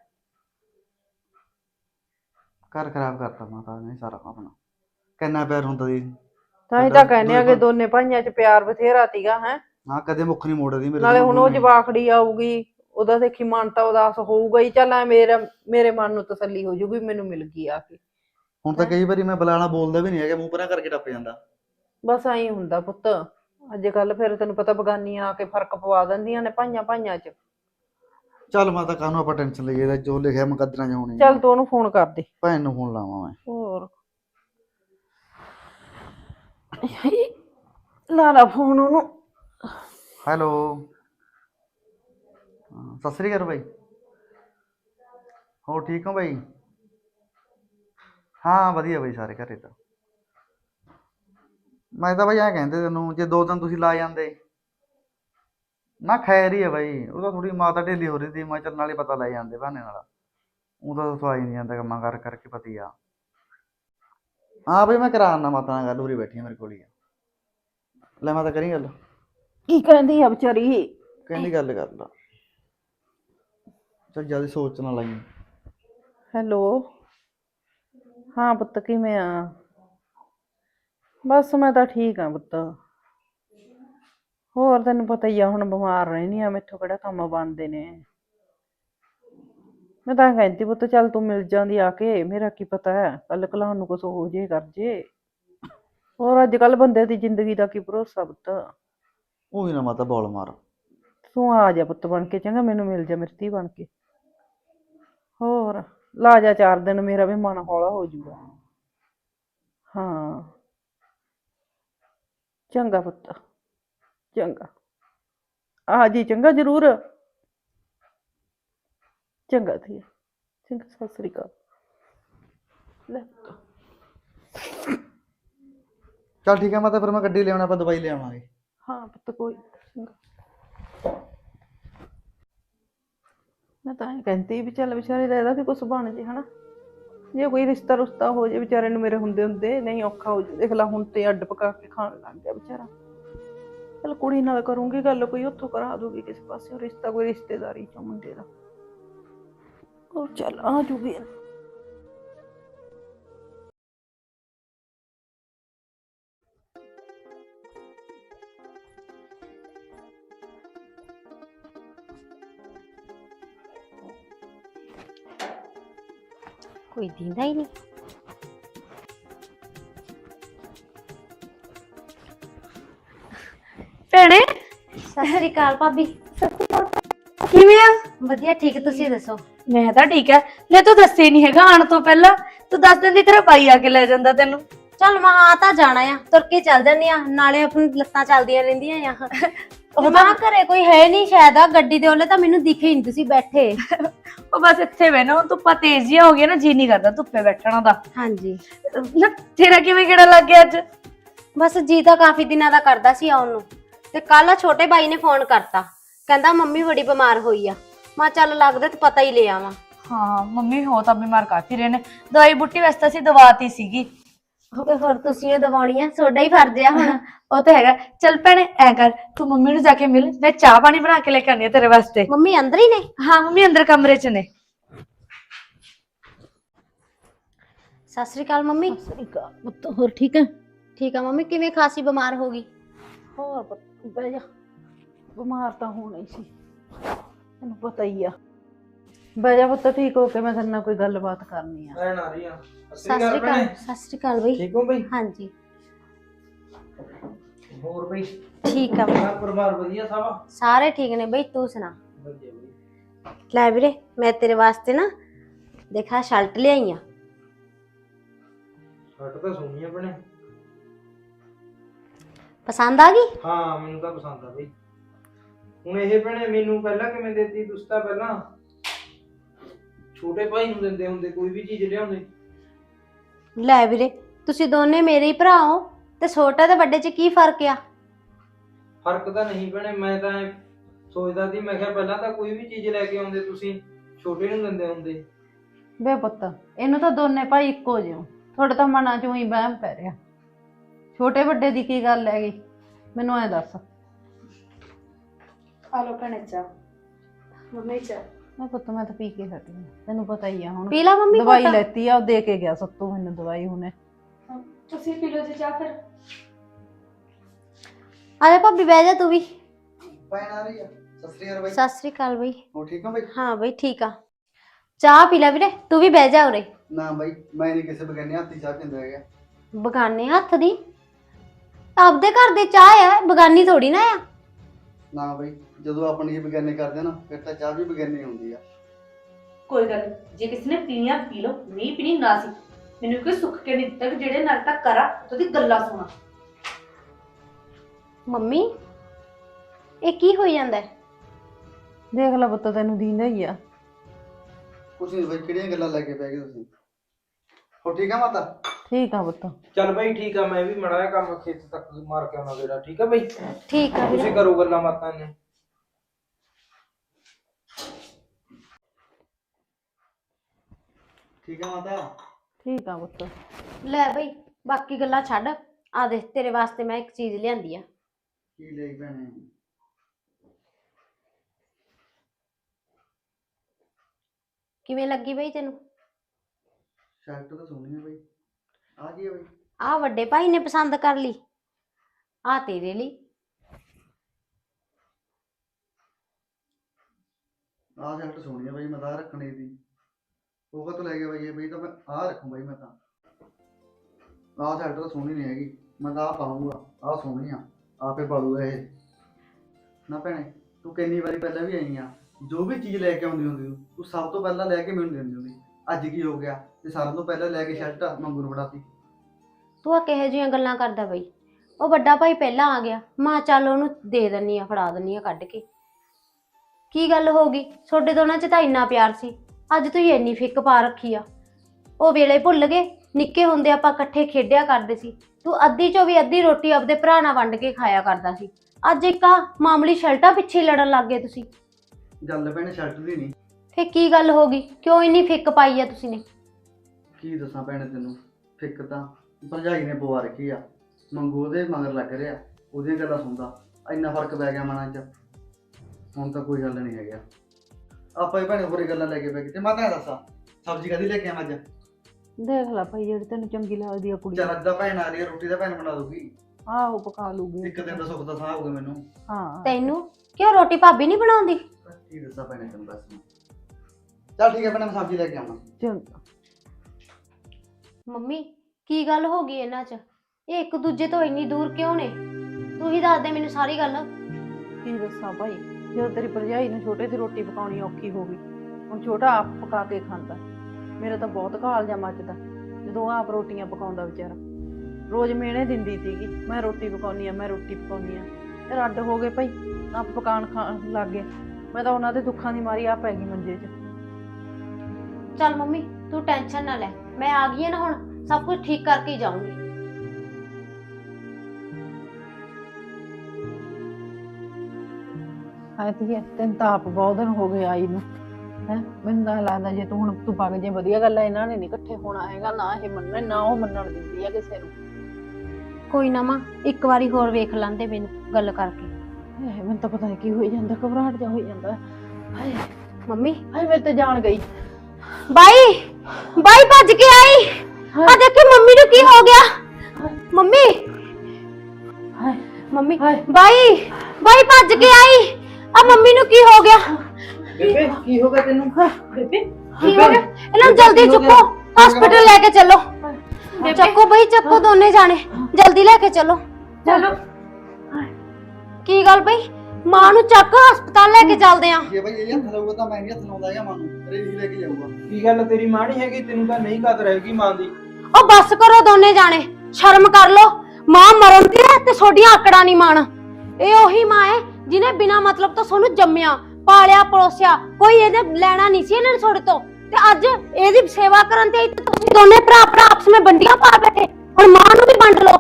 ਘਰ ਖਰਾਬ ਕਰਤਾ ਮਾਤਾ ਨੇ ਸਾਰਾ ਆਪਣਾ। ਕਿੰਨਾ ਪਿਆਰ ਹੁੰਦਾ ਸੀ। ਤਾਂ ਹੀ ਤਾਂ ਕਹਿੰਦੇ ਆ ਕਿ ਦੋਨੇ ਭਾਈਆਂ 'ਚ ਪਿਆਰ ਬਥੇਰਾ ਤੀਗਾ ਹੈ। ਹਾਂ, ਕਦੇ ਮੁੱਖ ਨਹੀਂ ਮੋੜਦੀ ਮੇਰੇ। ਨਾਲੇ ਹੁਣ ਉਹ ਜਵਾਖੜੀ ਆਊਗੀ, ਉਹਦਾ ਦੇਖੀ ਮਨ ਤਾਂ ਉਦਾਸ ਹੋਊਗਾ ਹੀ। ਚੱਲ ਐ ਮੇਰੇ ਮਨ ਨੂੰ ਤਸੱਲੀ ਹੋ ਜੂਗੀ, ਮੈਨੂੰ ਮਿਲ ਗਈ ਆ ਕੇ। ਹੁਣ ਤਾਂ ਕਈ ਵਾਰੀ ਮੈਂ ਬੁਲਾਣਾ ਬੋਲਦਾ ਵੀ ਨਹੀਂ ਹੈਗਾ, ਮੂੰਹ ਪਰਾਂ ਕਰਕੇ ਟੱਪ ਜਾਂਦਾ। ਬਸ ਐਂ ਹੁੰਦਾ ਪੁੱਤ ਅੱਜ ਕੱਲ। ਫਿਰ ਤੈਨੂੰ ਪਤਾ ਬਗਾਨੀਆਂ ਆ ਕੇ ਫਰਕ ਪਵਾ ਦਿੰਦੀਆਂ ਨੇ ਭਾਈਆਂ 'ਚ। ਚੱਲ ਮਾਤਾ ਕਾਹਨੂੰ ਆਪਾਂ ਟੈਨਸ਼ਨ ਲਈਏ, ਇਹਦਾ ਜੋ ਲਿਖਿਆ ਮੁਕੱਦਰਾਂ 'ਚ ਹੋਣੀ। ਚੱਲ ਤੂੰ ਉਹਨੂੰ ਫੋਨ ਕਰ ਦੇ। ਭੈਣ ਨੂੰ ਫੋਨ ਲਾਵਾਂ ਮੈਂ। ਹੋਰ ਲਾ ਫੋਨ ਉਹਨੂੰ। ਹੈਲੋ। ਸਤਿ ਸ੍ਰੀ ਅਕਾਲ ਬਾਈ। ਹੋ ਠੀਕ ਹੋ ਬਾਈ? ਹਾਂ ਵਧੀਆ ਬਾਈ, ਸਾਰੇ ਘਰੇ ਤਾਂ। ਮੈਂ ਤਾਂ ਬਾਈ ਐਂ ਕਹਿੰਦੇ ਤੈਨੂੰ, ਜੇ 2 ਦਿਨ ਤੁਸੀਂ ਲਾ ਜਾਂਦੇ ਨਾ। ਖੈਰ ਹੀ ਆ ਬਾਈ, ਉਹ ਤਾਂ ਥੋੜੀ ਮਾਤਾ ਢਿੱਲੀ ਹੋ ਰਹੀ ਸੀ। ਮੈਂ ਚੱਲ ਨਾਲੇ ਪਤਾ ਲੈ ਜਾਂਦੇ ਬਹਾਨੇ ਨਾਲ। ਉਹ ਤਾਂ ਸਵਾਈ ਨਹੀਂ ਜਾਂਦਾ ਕੰਮਾਂ ਕਰਕੇ ਪਤੀ ਆ। ਹਾਂ ਬਈ ਮੈਂ ਕਰਾ ਆਉਂਦਾ ਮਾਤਾ ਨਾਲ ਗੱਲ। ਉਰੀ ਬੈਠੀ ਮੇਰੇ ਕੋਲ ਹੀ ਆ। ਲੈ ਮਾਤਾ ਕਰੀ ਗੱਲ। ਕੀ ਕਹਿੰਦੀ ਆ ਵਿਚਾਰੀ? ਕਹਿੰਦੀ ਗੱਲ ਕਰ ਲਾ। ਚੱਲ ਜਿਆਦਾ ਸੋਚ ਨਾ ਲਾਈ। ਹੈਲੋ। ਹਾਂ ਪੁੱਤ ਕਿਵੇਂ ਆ? ਬਸ ਮੈਂ ਤਾਂ ਠੀਕ ਆ ਪੁੱਤ। ਹੋਰ ਤੈਨੂੰ ਪਤਾ ਹੀ ਆ, ਹੁਣ ਬਿਮਾਰ ਰਹਿੰਦੀ ਆ, ਮੈਥੋਂ ਕਿਹੜਾ ਕੰਮ ਬਣਦੇ ਨੇ। ਮੈਂ ਤਾਂ ਕਹਿੰਦੀ ਪੁੱਤ ਚੱਲ ਤੂੰ ਮਿਲ ਜਾਂਦੀ ਆ ਕੇ। ਮੇਰਾ ਕੀ ਪਤਾ ਹੈ ਕੱਲ ਕਲਾਉਣ ਨੂੰ ਕੁਛ ਹੋ ਜੇ ਕਰ ਜੇ। ਹੋਰ ਅੱਜ ਕੱਲ ਬੰਦੇ ਦੀ ਜ਼ਿੰਦਗੀ ਦਾ ਕੀ ਭਰੋਸਾ ਪੁੱਤ। ਉਹੀ ਨਾ ਮਾਤਾ ਬੋਲ ਮਾਰ। ਤੂੰ ਆ ਜਾ ਪੁੱਤ ਬਣ ਕੇ, ਚੰਗਾ ਮੈਨੂੰ ਮਿਲ ਜਾ ਮੇਰੀ ਧੀ ਬਣ ਕੇ। ਹੋਰ ਲਾ ਜਾ 4 ਦਿਨ, ਮੇਰਾ ਵੀ ਮਨ ਹੌਲਾ ਹੋ ਜੂਗਾ। ਹਾਂ ਚੰਗਾ ਪੁੱਤ, ਚੰਗਾ ਆ ਜੀ। ਚੰਗਾ ਜ਼ਰੂਰ। ਚੰਗਾ ਧੀਆ, ਚੰਗਾ। ਸਤਿ ਸ੍ਰੀ ਅਕਾਲ। ਲੈ ਚੱਲ ਠੀਕ ਹੈ ਮਾਤਾ, ਫਿਰ ਮੈਂ ਗੱਡੀ ਲਿਆਉਣਾ, ਆਪਾਂ ਦਵਾਈ ਲਿਆਵਾਂਗੇ। ਹਾਂ ਪੁੱਤ ਕੋਈ ਨੀ। ਮੈਂ ਤਾਂ ਇਹ ਕਹਿੰਦੀ ਵੀ ਚੱਲ ਵਿਚਾਰੇ ਦਾ ਇਹਦਾ ਵੀ ਕੁਛ ਬਣ ਜੇ ਹਨਾ, ਜੇ ਕੋਈ ਰਿਸ਼ਤਾ ਰੁਸ਼ਤਾ ਹੋ ਜੇ ਵਿਚਾਰੇ ਨੂੰ ਮੇਰੇ ਹੁੰਦੇ ਹੁੰਦੇ, ਨਹੀਂ ਔਖਾ ਹੋ ਜੇ। ਦੇਖ ਲਾ ਹੁਣ ਤੇ ਅੱਡ ਪਕਾ ਕੇ ਖਾਣ ਲੱਗ ਗਿਆ ਵਿਚਾਰਾ। ਚੱਲ ਕੁੜੀ ਨਾਲ ਕਰੂੰਗੀ ਗੱਲ, ਕੋਈ ਉੱਥੋਂ ਕਰਾ ਦੂਗੀ ਕਿਸੇ ਪਾਸੇ ਰਿਸ਼ਤਾ, ਕੋਈ ਰਿਸ਼ਤੇਦਾਰੀ ਚੋਂ ਮੁੰਡੇ ਦਾ। ਉਹ ਚੱਲ ਆ ਜੂਗੀ। ਕੋਈ ਦਿੰਦਾ ਹੀ ਨਹੀਂ। ਭੈਣੇ ਸਤਿ ਸ੍ਰੀ ਅਕਾਲ ਭਾਬੀ। ਕਿਵੇਂ ਆ? ਵਧੀਆ ਠੀਕ, ਤੁਸੀਂ ਦੱਸੋ? ਮੈਂ ਤਾਂ ਠੀਕ ਆ। ਲੈ ਤੂੰ ਦੱਸੇ ਨਹੀਂ ਹੈਗਾ ਆਣ ਤੋਂ ਪਹਿਲਾਂ, ਤੂੰ ਦੱਸ ਦਿੰਦੀ ਤੇਰਾ ਬਾਈ ਆ ਕੇ ਲੈ ਜਾਂਦਾ ਤੈਨੂੰ। ਚੱਲ ਮੈਂ ਆ ਤਾਂ ਜਾਣਾ ਆ, ਤੁਰ ਕੇ ਚੱਲ ਜਾਂਦੇ ਆ, ਨਾਲੇ ਆਪਣੀ ਲੱਤਾਂ ਚੱਲਦੀਆਂ ਰਹਿੰਦੀਆਂ ਆ। ਉਹ ਮਾਂ ਘਰੇ ਕੋਈ ਹੈ ਨਹੀਂ ਸ਼ਾਇਦ, ਆ ਗੱਡੀ ਦੇ ਉਹਲੇ ਤਾਂ ਮੈਨੂੰ ਦਿਖੇ ਨਹੀਂ ਤੁਸੀਂ ਬੈਠੇ। ਉਹ ਬਸ ਇੱਥੇ ਬਹਿਣਾ, ਹੁਣ ਧੁੱਪਾਂ ਤੇਜ਼ ਜਿਹਾ ਹੋ ਗਿਆ ਨਾ, ਜੀ ਨਹੀਂ ਕਰਦਾ ਧੁੱਪੇ ਬੈਠਣਾ ਦਾ। ਹਾਂਜੀ ਨਾ ਤੇਰਾ ਕਿਵੇਂ ਕਿਹੜਾ ਲੱਗ ਗਿਆ ਅੱਜ? ਬਸ ਜੀ ਤਾਂ ਕਾਫੀ ਦਿਨਾਂ ਦਾ ਕਰਦਾ ਸੀ ਆਉਣ ਨੂੰ, ਤੇ ਕੱਲ ਛੋਟੇ ਬਾਈ ਨੇ ਫੋਨ ਕਰਤਾ, ਕਹਿੰਦਾ ਮੰਮੀ ਬੜੀ ਬਿਮਾਰ ਹੋਈ ਆ। ਮੈਂ ਚੱਲ ਲੱਗਦਾ ਤੇ ਪਤਾ ਹੀ ਲੈ ਆਵਾਂ। ਹਾਂ ਮੰਮੀ ਹੋ ਤਾਂ ਬਿਮਾਰ ਕਾਫੀ ਰਹੇ ਨੇ, ਦਵਾਈ ਬੁੱਟੀ ਵੈਸੇ ਤਾਂ ਅਸੀਂ ਦਵਾਤੀ ਸੀਗੀ। ਤੇ ਹੋਰ ਤੁਸੀਂ ਇਹ ਦਵਾਉਣੀ ਆ, ਤੁਹਾਡਾ ਹੀ ਫਰਜ਼ ਆ ਹੁਣ। ਉਹ ਤਾਂ ਹੈਗਾ। ਚੱਲ ਭੈਣੇ ਐ ਕਰ, ਤੂੰ ਮੰਮੀ ਨੂੰ ਜਾ ਕੇ ਮਿਲ, ਮੈਂ ਚਾਹ ਪਾਣੀ ਬਣਾ ਕੇ ਲੈ ਕੇ ਆਉਂਦੀ ਆ ਤੇਰੇ ਵਾਸਤੇ। ਮੰਮੀ ਅੰਦਰ ਹੀ ਨੇ? ਹਾਂ ਮੰਮੀ ਅੰਦਰ ਕਮਰੇ 'ਚ ਨੇ। ਸਤਿ ਸ੍ਰੀ ਅਕਾਲ ਮੰਮੀ। ਪੁੱਤ ਹੋਰ ਠੀਕ ਹੈ? ਠੀਕ ਆ ਮੰਮੀ, ਕਿਵੇਂ ਖਾਸੀ ਬਿਮਾਰ ਹੋ ਗਈ? ਹੋਰ ਪੁੱਤ ਬਹਿ ਜਾ, ਬਿਮਾਰ ਤਾਂ ਹੋਣਾ ਹੀ ਸੀ, ਤੈਨੂੰ ਪਤਾ ਹੀ ਆ। ਬਹਿ ਜਾ ਪੁੱਤ, ਠੀਕ ਹੋ ਕੇ ਮੈਂ ਤੇਰੇ ਨਾਲ ਕੋਈ ਗੱਲਬਾਤ ਕਰਨੀ ਆ। ਭੈਣ ਆ ਰਹੀ ਆ। ਸਤਿ ਸ੍ਰੀ ਅਕਾਲ। ਸਤਿ ਸ੍ਰੀ ਅਕਾਲ ਬਈ। ਠੀਕ ਹੋ ਬਈ? ਹਾਂਜੀ ਹੋਰ ਬਈ ਠੀਕ ਆ ਬਈ, ਘਰ ਪਰਿਵਾਰ ਵਧੀਆ ਸਭ? ਸਾਰੇ ਠੀਕ ਨੇ ਬਈ, ਤੂੰ ਸੁਣਾ? ਵਧੀਆ ਬਈ। ਲੈ ਵੀਰੇ, ਮੈਂ ਤੇਰੇ ਵਾਸਤੇ ਨਾ ਦੇਖਾ ਸ਼ਰਟ ਲਿਆਈ ਆ। ਸ਼ਰਟ ਤਾਂ ਸੋਹਣੀ ਆ ਭੈਣੇ। ਪਸੰਦ ਆ ਗਈ? ਹਾਂ ਮੈਨੂੰ ਤਾਂ ਪਸੰਦ ਆ ਬਈ। ਹੁਣ ਇਹ ਭੈਣੇ ਮੈਨੂੰ ਪਹਿਲਾਂ ਕਿਵੇਂ ਦੇਤੀ? ਤੁਸੀਂ ਤਾਂ ਪਹਿਲਾਂ ਛੋਟੇ ਭਾਈ ਨੂੰ ਦਿੰਦੇ ਹੁੰਦੇ ਕੋਈ ਵੀ ਚੀਜ਼ ਲਿਆਉਂਦੇ। ਲੈ ਵੀਰੇ, ਤੁਸੀਂ ਦੋਨੇ ਮੇਰੇ ਹੀ ਭਰਾ ਹੋ, ਤੇ ਛੋਟਾ ਤੇ ਵੱਡੇ 'ਚ ਕੀ ਫਰਕ ਆ? ਫਰਕ ਤਾਂ ਨਹੀਂ ਭੈਣੇ, ਮੈਂ ਤਾਂ ਐਂ ਸੋਚਦਾ ਸੀ, ਮੈਂ ਕਿਹਾ ਪਹਿਲਾਂ ਤਾਂ ਕੋਈ ਵੀ ਚੀਜ਼ ਲੈ ਕੇ ਆਉਂਦੇ ਤੁਸੀਂ ਛੋਟੇ ਨੂੰ ਦਿੰਦੇ ਹੁੰਦੇ। ਵੇ ਪੁੱਤ ਇਹਨੂੰ ਤਾਂ ਦੋਨੇ ਭਾਈ ਇੱਕੋ ਜਿਹੇ ਹੋ, ਤੁਹਾਡੇ ਤਾਂ ਮਨਾਂ 'ਚ ਹੀ ਵਹਿਮ ਪੈ ਰਿਹਾ। ਛੋਟੇ ਵੱਡੇ ਦੀ ਕੀ ਗੱਲ ਹੈਗੀ, ਮੈਨੂੰ ਐ ਦੱਸ। ਆ ਲੋ ਭੈਣੇ ਚਾਹ। ਮੰਮੀ ਚਾਹ। ਮੈਂ ਪੁੱਤ ਮੈਂ ਤਾਂ ਪੀ ਕੇ ਹਟੀ ਹਾਂ, ਤੈਨੂੰ ਪਤਾ ਹੀ ਆ ਹੁਣ। ਪੀ ਲਾ ਮੰਮੀ ਦਵਾਈ ਘੁੱਟ। ਲੈਤੀ ਆ, ਉਹ ਦੇ ਕੇ ਗਿਆ ਸੱਤੂ ਮੈਨੂੰ ਦਵਾਈ ਹੁਣੇ। ਤੁਸੀਂ ਪੀ ਲਓ ਜੀ ਚਾਹ ਫਿਰ। ਆ ਜਾ ਭਾਬੀ, ਬਹਿ ਜਾ ਤੂੰ ਵੀ। ਭੈਣ ਆ ਰਹੀ ਆ। ਸਤਿ ਸ੍ਰੀ ਅਕਾਲ ਬਾਈ। ਸਤਿ ਸ੍ਰੀ ਅਕਾਲ ਬਈ। ਹੋ ਠੀਕ ਹੋ ਬਾਈ? ਹਾਂ ਬਈ ਠੀਕ ਆ। ਚਾਹ ਪੀ ਲੈ ਵੀਰੇ, ਤੂੰ ਵੀ ਬਹਿ ਜਾ ਉਰੇ। ਨਾ ਬਾਈ, ਮੈਂ ਨਹੀਂ ਕਿਸੇ ਬਗਾਨੇ ਹੱਥੀ ਚਾਹ ਪੀਂਦਾ ਹੈਗਾ। ਬਗਾਨੇ ਹੱਥ ਦੀ? ਆਪਦੇ ਘਰ ਦੇ ਚਾਹ ਆ, ਬਗਾਨੀ ਥੋੜੀ ਨਾ ਆ। ਨਾ ਬਾਈ, ਜਦੋਂ ਆਪਣੀ ਹੀ ਬਗਾਨੇ ਕਰਦੇ ਨਾ, ਫਿਰ ਤਾਂ ਚਾਹ ਵੀ ਬਗਾਨੀ ਹੁੰਦੀ ਆ। ਕੋਈ ਗੱਲ ਨੀ, ਜੇ ਕਿਸੇ ਨੇ ਪੀਣੀ ਆ ਪੀ ਲਓ, ਨਹੀਂ ਪੀਣੀ ਨਾ ਸੀ। ਮੈਨੂੰ ਕੋਈ ਸੁੱਖ ਕੇ ਨਹੀਂ ਦਿੱਤਾ ਕਿ ਜਿਹੜੇ ਨਾਲ ਤੱਕ ਕਰਾਂ ਉਹਦੀ ਗੱਲਾਂ ਸੁਣਾ। ਮੰਮੀ ਇਹ ਕੀ ਹੋਈ ਜਾਂਦਾ ਹੈ? ਦੇਖ ਲੈ ਪੁੱਤ, ਤੈਨੂੰ ਦੀਂਦਾ ਹੀ ਆ। ਕੁਛ ਨਹੀਂ ਬਾਈ, ਕਿਹੜੀਆਂ ਗੱਲਾਂ ਲੈ ਕੇ ਪੈ ਗਏ ਤੁਸੀਂ? ਹੋ ਠੀਕ ਆ ਮਾਤਾ? ਠੀਕ ਆ ਪੁੱਤ। ਚੱਲ ਬਈ ਠੀਕ ਆ, ਮੈਂ ਵੀ ਮੜਾ ਜਿਹਾ ਕੰਮ ਖੇਤ ਤੱਕ ਮਾਰ ਕੇ ਆਉਣਾ ਜਿਹੜਾ। ਠੀਕ ਆ ਬਈ, ਠੀਕ ਆ ਵੀਰੇ। ਤੁਸੀਂ ਕਰੋ ਗੱਲਾਂ ਬਾਤਾਂ ਨੇ। ਠੀਕ ਆ ਮਾਤਾ? ਠੀਕ ਆ ਪੁੱਤ। ਲੈ ਬਈ, ਬਾਕੀ ਗੱਲਾਂ ਛੱਡ, ਆ ਦੇਖ ਤੇਰੇ ਵਾਸਤੇ ਮੈਂ ਇੱਕ ਚੀਜ਼ ਲਿਆਂਦੀ ਆ। ਕੀ ਲੈ ਭੈਣੇ? ਕਿਵੇਂ ਲੱਗੀ ਬਈ ਤੈਨੂੰ? ਸ਼ਰਟ ਤਾਂ ਸੋਹਣੀ ਆ ਬਾਈ। ਆ ਕੀ ਆ ਬਾਈ? ਆ ਵੱਡੇ ਭਾਈ ਨੇ ਪਸੰਦ ਕਰ ਲਈ, ਆ ਤੇਰੇ ਲਈ। ਆਹ ਸ਼ਰਟ ਸੋਹਣੀ ਆ ਬਾਈ, ਮੈਂ ਤਾਂ ਆਹ ਰੱਖਣੀ ਸੀ। ਉਹ ਕਦੋਂ ਲੈ ਗਿਆ ਬਾਈ? ਇਹ ਬਾਈ ਤਾਂ ਮੈਂ ਆਹ ਰੱਖੂ ਬਾਈ। ਮੈਂ ਤਾਂ ਆਹ ਸ਼ਰਟ ਤਾਂ ਸੋਹਣੀ ਨਹੀਂ ਹੈਗੀ, ਮੈਂ ਤਾਂ ਆਹ ਪਾਊਂਗਾ। ਆਹ ਸੋਹਣੀ ਆ, ਆਪੇ ਪਾਲੂਗਾ ਇਹ। ਨਾ ਭੈਣੇ, ਤੂੰ ਕਿੰਨੀ ਵਾਰੀ ਪਹਿਲਾਂ ਵੀ ਆਈ ਆ, ਜੋ ਵੀ ਚੀਜ਼ ਲੈ ਕੇ ਆਉਂਦੀ ਹੁੰਦੀ ਤੂੰ ਸਭ ਤੋਂ ਪਹਿਲਾਂ ਲੈ ਕੇ ਮੈਨੂੰ ਦਿੰਦੀ ਹੁੰਦੀ। ਅੱਜ ਕੀ ਹੋ ਗਿਆ ਤੇ ਸਾਰਿਆਂ ਤੋਂ ਪਹਿਲਾਂ ਲੈ ਕੇ ਸ਼ਰਟ ਮੰਗੂ ਨੂੰ ਫੜਾਤੀ? ਤੂੰ ਆ ਕਿਹੋ ਜਿਹੀਆਂ ਗੱਲਾਂ ਕਰਦਾ ਬਈ? ਉਹ ਵੱਡਾ ਭਾਈ ਪਹਿਲਾਂ ਆ ਗਿਆ, ਮਾਂ ਚੱਲ ਉਹਨੂੰ ਦੇ ਦਿੰਨੀ ਆ, ਫੜਾ ਦਿੰਨੀ ਆ ਕੱਢ ਕੇ। ਕੀ ਗੱਲ ਹੋ ਗਈ? ਤੁਹਾਡੇ ਦੋਨਾਂ 'ਚ ਤਾਂ ਇੰਨਾ ਪਿਆਰ ਸੀ, ਅੱਜ ਤੁਸੀਂ ਇੰਨੀ ਫਿੱਕ ਪਾ ਰੱਖੀ ਆ। ਉਹ ਵੇਲੇ ਭੁੱਲ ਗਏ, ਨਿੱਕੇ ਹੁੰਦੇ ਆਪਾਂ ਇਕੱਠੇ ਖੇਡਿਆ ਕਰਦੇ ਸੀ, ਤੂੰ ਅੱਧੀ ਚੋਂ ਵੀ ਅੱਧੀ ਰੋਟੀ ਆਪਦੇ ਭਰਾ ਨਾਲ ਵੰਡ ਕੇ ਖਾਇਆ ਕਰਦਾ ਸੀ। ਅੱਜ ਇੱਕ ਆ ਮਾਮੂਲੀ ਸ਼ਰਟਾਂ ਪਿੱਛੇ ਲੜਨ ਲੱਗ ਗਏ ਤੁਸੀਂ। ਗੱਲ ਭੈਣੇ ਸ਼ਰਟ ਦੀ ਨਹੀਂ, ਫੇ ਕੀ ਗੱਲ ਹੋ ਗਈ? ਕਿਉਂ ਇੰਨੀ ਫਿੱਕ ਪਾਈ ਆ ਤੁਸੀਂ ਨੇ? ਕੀ ਦੱਸਾਂ ਭੈਣੇ ਤੈਨੂੰ, ਫਿੱਕ ਤਾਂ ਭਰਜਾਈ ਨੇ ਪਵਾ ਰੱਖੀ ਆ। ਮੰਗੂ ਉਹਦੇ ਮਗਰ ਲੱਗ ਰਿਹਾ, ਉਹਦੀਆਂ ਗੱਲਾਂ ਸੁਣਦਾ, ਇੰਨਾ ਫਰਕ ਪੈ ਗਿਆ ਮਨਾਂ 'ਚ। ਹੁਣ ਤਾਂ ਕੋਈ ਗੱਲ ਨਹੀਂ ਹੈਗਾ, ਆਪਾਂ ਹੀ ਭੈਣੇ ਹੋਰੇ ਗੱਲਾਂ ਲੈ ਕੇ ਬੈ ਗਏ। ਤੇ ਮੈਂ ਤਾਂ ਦੱਸਾਂ ਸਬਜ਼ੀ ਕਦੀ ਲੈ ਕੇ ਆਵਾਂ ਅੱਜ? ਦੇਖ ਲੈ ਭਾਈ ਜਿਹੜੀ ਤੈਨੂੰ ਚੰਗੀ ਲੱਗਦੀ ਆ ਕੁੜੀ। ਚੱਲ ਅੱਜ ਦਾ ਭੈਣ ਆ ਰਹੀ ਹੈ, ਰੋਟੀ ਦਾ ਭੈਣ ਬਣਾ ਦੂਗੀ। ਆਹੋ ਪਕਾ ਲੂਗੀ। ਇੱਕ ਦਿਨ ਦਾ ਸੁੱਖ ਦਾ ਸਾਹ ਹੋਊਗਾ ਮੈਨੂੰ। ਹਾਂ ਤੈਨੂੰ ਕਿਉਂ ਰੋਟੀ ਭਾਬੀ ਨਹੀਂ ਬਣਾਉਂਦੀ? ਕੀ ਦੱਸਾਂ ਭੈਣੇ ਤੈਨੂੰ ਦੱਸ। ਚੱਲ ਠੀਕ ਹੈ ਭੈਣੇ, ਮੈਂ ਸਬਜ਼ੀ ਲੈ ਕੇ ਆਵਾਂ। ਚਲ ਮੰਮੀ ਕੀ ਗੱਲ ਹੋ ਗਈ ਇਹਨਾਂ 'ਚ? ਇਹ ਇੱਕ ਦੂਜੇ ਤੋਂ ਇੰਨੀ ਦੂਰ ਕਿਉਂ ਨੇ? ਤੂੰ ਹੀ ਦੱਸ ਦੇ ਮੈਨੂੰ ਸਾਰੀ ਗੱਲ। ਕੀ ਦੱਸਾਂ ਭਾਈ, ਜਦੋਂ ਤੇਰੀ ਭਰਜਾਈ ਨੂੰ ਛੋਟੇ ਦੀ ਰੋਟੀ ਪਕਾਉਣੀ ਔਖੀ ਹੋ ਗਈ, ਹੁਣ ਛੋਟਾ ਆਪ ਪਕਾ ਕੇ ਖਾਂਦਾ। ਮੇਰਾ ਤਾਂ ਬਹੁਤ ਕਾਲਜਾ ਮੱਚਦਾ ਜਦੋਂ ਆਪ ਰੋਟੀਆਂ ਪਕਾਉਂਦਾ ਵਿਚਾਰਾ। ਰੋਜ਼ ਮਿਹਣੇ ਦਿੰਦੀ ਸੀਗੀ, ਮੈਂ ਰੋਟੀ ਪਕਾਉਣੀ ਆ, ਮੈਂ ਰੋਟੀ ਪਕਾਉਣੀ ਆ। ਫਿਰ ਅੱਡ ਹੋ ਗਏ ਭਾਈ, ਆਪ ਪਕਾਉਣ ਖਾਣ ਲੱਗ ਗਏ। ਮੈਂ ਤਾਂ ਉਹਨਾਂ ਦੇ ਦੁੱਖਾਂ ਦੀ ਮਾਰੀ ਆ ਪੈ ਗਈ ਮੰਜੇ 'ਚ। ਚੱਲ ਮੰਮੀ ਤੂੰ ਟੈਨਸ਼ਨ ਨਾ ਲੈ, ਮੈਂ ਆ ਗਈ ਆ ਨਾ, ਹੁਣ ਸਭ ਕੁਝ ਠੀਕ ਕਰਕੇ ਹੀ ਜਾਊਂਗੀ। ਆਤੀ ਹੈ ਤੈਨੂੰ ਤਾਂ ਆਪ ਬਹੁਤ ਦਿਨ ਹੋ ਗਏ ਆਈ ਨੂੰ ਹੈ। ਮੈਨੂੰ ਤਾਂ ਲੱਗਦਾ ਜੇ ਤੂੰ ਹੁਣ ਤੂੰ ਪੱਕ ਜੇ ਵਧੀਆ ਗੱਲ ਹੈ, ਇਹਨਾਂ ਨੇ ਨਹੀਂ ਇਕੱਠੇ ਹੋਣਾ ਹੈਗਾ, ਨਾ ਇਹ ਮੰਨਣ ਨਾ ਉਹ ਮੰਨਣ ਦਿੰਦੀ ਆ ਕਿਸੇ ਨੂੰ। ਕੋਈ ਨਾ ਮਾਂ, ਇੱਕ ਵਾਰੀ ਹੋਰ ਵੇਖ ਲੈਂਦੇ ਮੈਨੂੰ ਗੱਲ ਕਰਕੇ। ਮੈਨੂੰ ਤਾਂ ਪਤਾ ਨਹੀਂ ਕੀ ਹੋਈ ਜਾਂਦਾ, ਘਬਰਾਹਟ ਜਾ ਹੋਈ ਜਾਂਦਾ। ਹਾਏ ਮੰਮੀ ਹਾਏ ਮੇਰੇ ਤੇ ਜਾਣ ਗਈ। ਬਾਈ ਬਾਈ ਭੱਜ ਕੇ ਆਈ। ਆ ਦੇਖੀ ਮੰਮੀ ਨੂੰ ਕੀ ਹੋ ਗਿਆ। ਮੰਮੀ ਹਾਏ ਮੰਮੀ ਹਾਏ ਬਾਈ ਬਾਈ ਭੱਜ ਕੇ ਆਈ। ਆ ਮੰਮੀ ਨੂੰ ਕੀ ਹੋ ਗਿਆ? ਬੇਬੇ ਕੀ ਹੋ ਗਿਆ ਤੈਨੂੰ? ਬੇਬੇ ਕੀ ਹੋ ਗਿਆ? ਇਹਨਾਂ ਨੂੰ ਜਲਦੀ ਚੁੱਕੋ, ਹਸਪੀਟਲ ਲੈ ਕੇ ਚੱਲੋ। ਚੱਕੋ ਬਈ ਚੱਕੋ, ਦੋਨੇ ਜਾਣੇ ਜਲਦੀ ਲੈ ਕੇ ਚੱਲੋ। ਚਲੋ। ਕੀ ਗੱਲ ਬਈ? ਮਾਂ ਨੂੰ ਚੱਕ, ਹਸਪਤਾਲ ਲੈ ਕੇ ਚੱਲਦੇ ਆ। ਜੇ ਬਈ ਇਹ ਹੱਥ ਲਾਊਗਾ ਤਾਂ ਮੈਂ ਨਹੀਂ ਹੱਥ ਲਾਉਂਦਾ ਹੈਗਾ ਮਾਂ ਨੂੰ, ਤੇਰੇ ਹੀ ਲੈ ਕੇ ਜਾਊਗਾ। ਕੀ ਗੱਲ ਤੇਰੀ ਮਾਂ ਨਹੀਂ ਹੈਗੀ? ਤੈਨੂੰ ਤਾਂ ਨਹੀਂ ਕਦਰ ਹੈਗੀ ਮਾਂ ਦੀ। ਉਹ ਬੱਸ ਕਰੋ ਦੋਨੇ ਜਾਣੇ, ਸ਼ਰਮ ਕਰ ਲੋ। ਮਾਂ ਮਰਨ ਦੀ ਹੈ ਤੇ ਤੁਹਾਡੀਆਂ ਆਕੜਾਂ ਨਹੀਂ ਮਾਣ। ਇਹ ਉਹੀ ਮਾਂ ਹੈ ਜਿਹਨੇ ਬਿਨਾਂ ਮਤਲਬ ਤੋਂ ਤੁਹਾਨੂੰ ਜੰਮਿਆ, ਪਾਲਿਆ, ਪਲੋਸਿਆ। ਕੋਈ ਇਹਨੇ ਲੈਣਾ ਨਹੀਂ ਸੀ ਇਹਨਾਂ ਨੇ ਤੁਹਾਡੇ ਤੋਂ, ਤੇ ਅੱਜ ਇਹਦੀ ਸੇਵਾ ਕਰਨ ਤੇ ਤੁਸੀਂ ਦੋਨੇ ਭਰਾ ਆਪਸ ਵਿੱਚ ਵੰਡੀਆਂ ਪਾ ਬੈਠੇ। ਹੁਣ ਮਾਂ ਨੂੰ ਵੀ ਵੰਡ ਲਓ।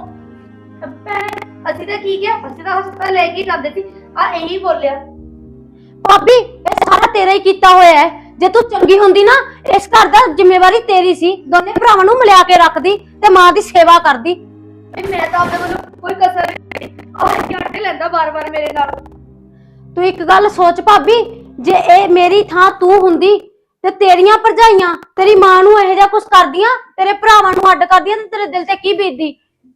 ਅਸੀਂ ਤਾਂ ਕੀ ਕਿਹਾ, ਅਸੀਂ ਤਾਂ ਹਸਪਤਾਲ ਲੈ ਕੇ ਜਾਂਦੇ ਸੀ। ਆ ਇਹੀ ਬੋਲਿਆ। ਭਾਬੀ ਇਹ ਸਾਰਾ ਤੇਰਾ ਹੀ ਕੀਤਾ ਹੋਇਆ ਹੈ। ਜੇ ਤੂੰ ਚੰਗੀ ਹੁੰਦੀ ਨਾ, ਇਸ ਘਰ ਦਾ ਜ਼ਿੰਮੇਵਾਰੀ ਤੇਰੀ ਸੀ। ਦੋਨੇ ਭਰਾਵਾਂ ਨੂੰ ਮਿਲਾ ਕੇ ਰੱਖਦੀ ਤੇ ਮਾਂ ਦੀ ਸੇਵਾ ਕਰਦੀ। ਮੈਂ ਤਾਂ ਆਪਣੇ ਵੱਲੋਂ ਕੋਈ ਕਸਰ ਨਹੀਂ ਉਹ ਕਿਉਂ ਲੈਂਦਾ ਬਾਰ-ਬਾਰ ਮੇਰੇ ਨਾਲ। ਤੂੰ ਇੱਕ ਗੱਲ ਸੋਚ ਭਾਬੀ, ਜੇ ਇਹ ਮੇਰੀ ਥਾਂ ਤੂੰ ਹੁੰਦੀ ਤੇ ਤੇਰੀਆਂ ਭਰਜਾਈਆਂ ਤੇਰੀ ਮਾਂ ਨੂੰ ਇਹੋ ਜਿਹਾ ਕੁਝ ਕਰਦੀਆਂ, ਤੇਰੇ ਭਰਾਵਾਂ ਨੂੰ ਅੱਡ ਕਰਦੀਆਂ, ਤੇ ਤੇਰੇ ਦਿਲ ਤੇ ਕੀ ਬੀਤਦੀ?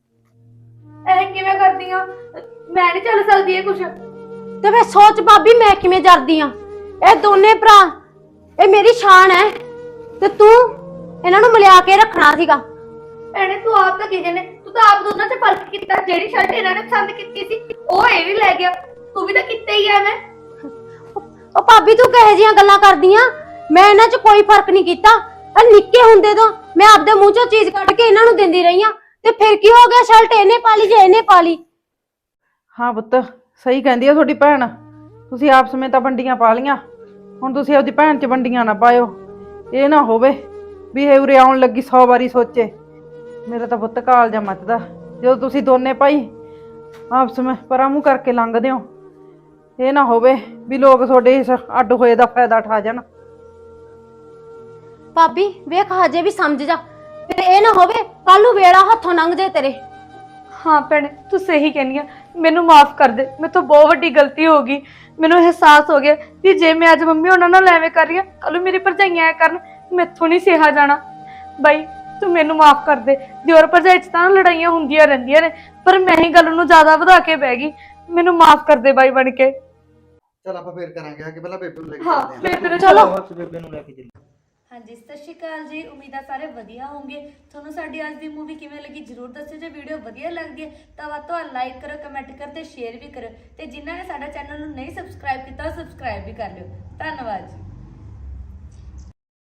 ਇਹ ਕਿਵੇਂ ਕਰਦੀਆਂ? ਮੈਂ ਨਹੀਂ ਚੱਲ ਸਕਦੀ ਇਹ ਕੁਛ। ਤੇ ਫੇਰ ਸੋਚ ਭਾਬੀ ਮੈਂ ਕਿਵੇਂ ਜਰਦੀ ਆ। ਇਹ ਦੋਨੇ ਭਰਾ ਇਹ ਮੇਰੀ ਸ਼ਾਨ ਹੈ, ਤੇ ਤੂੰ ਇਹਨਾਂ ਨੂੰ ਮਿਲਾ ਕੇ ਰੱਖਣਾ ਸੀਗਾ। ਭੈਣੇ ਤੂੰ ਆਪ ਤਾਂ ਕੀ ਜਾਣੇ, ਤੂੰ ਤਾਂ ਆਪ ਦੋਨਾਂ 'ਚ ਫਰਕ ਕੀਤਾ। ਜਿਹੜੀ ਸ਼ਰਟ ਇਹਨਾਂ ਨੇ ਪਸੰਦ ਕੀਤੀ ਸੀ ਉਹ ਇਹ ਵੀ ਲੈ ਗਿਆ, ਤੂੰ ਵੀ ਤਾਂ ਕੀਤਾ ਹੀ ਆ। ਮੈਂ ਉਹ ਭਾਬੀ ਤੂੰ ਕਿਹੋ ਜਿਹੀਆਂ ਗੱਲਾਂ ਕਰਦੀਆਂ? ਮੈਂ ਇਹਨਾਂ 'ਚ ਕੋਈ ਫਰਕ ਨਹੀਂ ਕੀਤਾ। ਇਹ ਨਿੱਕੇ ਹੁੰਦੇ ਤੋਂ ਮੈਂ ਆਪਦੇ ਮੂੰਹ 'ਚੋਂ ਚੀਜ਼ ਕੱਢ ਕੇ ਇਹਨਾਂ ਨੂੰ ਦਿੰਦੀ ਰਹੀ ਆ, ਤੇ ਫਿਰ ਕੀ ਹੋ ਗਿਆ? ਸ਼ਰਟ ਇਹਨੇ ਪਾ ਲਈ ਜੇ ਇਹਨੇ ਪਾ ਲਈ। ਹਾਂ ਪੁੱਤ ਸਹੀ ਕਹਿੰਦੀ ਆ ਤੁਹਾਡੀ ਭੈਣ, ਤੁਸੀਂ ਆਪਸ ਵਿੱਚ ਤਾਂ ਵੰਡੀਆਂ ਪਾ ਲੀਆਂ, ਹੁਣ ਤੁਸੀਂ ਆਪਦੀ ਭੈਣ 'ਚ ਵੰਡੀਆਂ ਨਾ ਪਾਇਓ। ਇਹ ਨਾ ਹੋਵੇ ਵੀ ਇਹ ਉਰੇ ਆਉਣ ਲੱਗੀ 100 ਵਾਰੀ ਸੋਚੇ। ਮੇਰਾ ਤਾਂ ਪੁੱਤ ਕਾਲਜਾ ਮੱਚਦਾ ਜਦੋਂ ਤੁਸੀਂ ਦੋਨੇ ਭਾਈ ਆਪਸ ਵਿੱਚ ਪਰਾਂ ਮੂੰਹ ਕਰਕੇ ਲੰਘਦੇ ਹੋ। ਇਹ ਨਾ ਹੋਵੇ ਵੀ ਲੋਕ ਤੁਹਾਡੇ ਇਸ ਅੱਡ ਹੋਏ ਦਾ ਫਾਇਦਾ ਉਠਾ ਜਾਣ। ਭਾਬੀ ਵੇਖ ਹਜੇ ਵੀ ਸਮਝ ਜਾ, ਤੇ ਇਹ ਨਾ ਹੋਵੇ ਕੱਲ ਨੂੰ ਵੇਲਾ ਹੱਥੋਂ ਲੰਘ ਜੇ ਤੇਰੇ। ਹਾਂ ਭੈਣੇ ਤੂੰ ਸਹੀ ਕਹਿੰਦੀ ਆ, ਮੈਨੂੰ ਮਾਫ ਕਰ ਦੇ। ਮੇਰੇ ਤੋਂ ਬਹੁਤ ਵੱਡੀ ਗਲਤੀ ਹੋ ਗਈ। ਮੈਨੂੰ ਅਹਿਸਾਸ ਹੋ ਗਿਆ ਕਿ ਜੇ ਮੈਂ ਅੱਜ ਮੰਮੀ ਉਹਨਾਂ ਨਾਲ ਐਵੇਂ ਕਰ ਰਹੀ ਹਾਂ, ਕੱਲ ਨੂੰ ਮੇਰੀ ਭਰਜਾਈਆਂ ਐ ਕਰਨ, ਮੈਥੋਂ ਨਹੀਂ ਸਹਿਆ ਜਾਣਾ। ਬਾਈ ਤੂੰ ਮੈਨੂੰ ਮਾਫ ਕਰ ਦੇ। ਦਿਓਰ ਭਰਜਾਈ 'ਚ ਤਾਂ ਲੜਾਈਆਂ ਹੁੰਦੀਆਂ ਰਹਿੰਦੀਆਂ ਨੇ, ਪਰ ਮੈਂ ਹੀ ਗੱਲ ਨੂੰ ਜ਼ਿਆਦਾ ਵਧਾ ਕੇ ਬਹਿ ਗਈ। ਮੈਨੂੰ ਮਾਫ ਕਰ ਦੇ ਬਾਈ ਬਣ ਕੇ। ਚੱਲ ਆਪਾਂ ਫੇਰ ਕਰਾਂਗੇ ਕਿ ਪਹਿਲਾਂ ਬੇਬੇ ਨੂੰ ਲੈ ਕੇ ਹਾਂ ਚੱਲਦੇ ਆਂ। ਫਿਰ ਤੈਨੂੰ ਚਲੋ। ਬਸ ਬੇਬੇ ਨੂੰ ਲੈ ਕੇ ਚੱਲੀ। ਹਾਂਜੀ ਸਤਿ ਸ਼੍ਰੀ ਅਕਾਲ ਜੀ। ਉਮੀਦ ਆ ਸਾਰੇ ਵਧੀਆ ਹੋਵੋਗੇ। ਤੁਹਾਨੂੰ ਸਾਡੀ ਅੱਜ ਦੀ ਮੂਵੀ ਕਿਵੇਂ ਲੱਗੀ ਜਰੂਰ ਦੱਸਿਓ। ਜੇ ਵੀਡੀਓ ਵਧੀਆ ਲੱਗਦੀ ਹੈ ਤਾਂ ਵੱਧ ਤੋਂ ਵੱਧ ਲਾਈਕ ਕਰੋ, ਕਮੈਂਟ ਕਰੋ ਤੇ ਸ਼ੇਅਰ ਵੀ ਕਰੋ। ਤੇ ਜਿਨ੍ਹਾਂ ਨੇ ਸਾਡਾ ਚੈਨਲ ਨੂੰ ਨਹੀਂ ਸਬਸਕ੍ਰਾਈਬ ਕੀਤਾ ਉਹ ਸਬਸਕ੍ਰਾਈਬ ਵੀ ਕਰ ਲਿਓ। ਧੰਨਵਾਦ ਜੀ।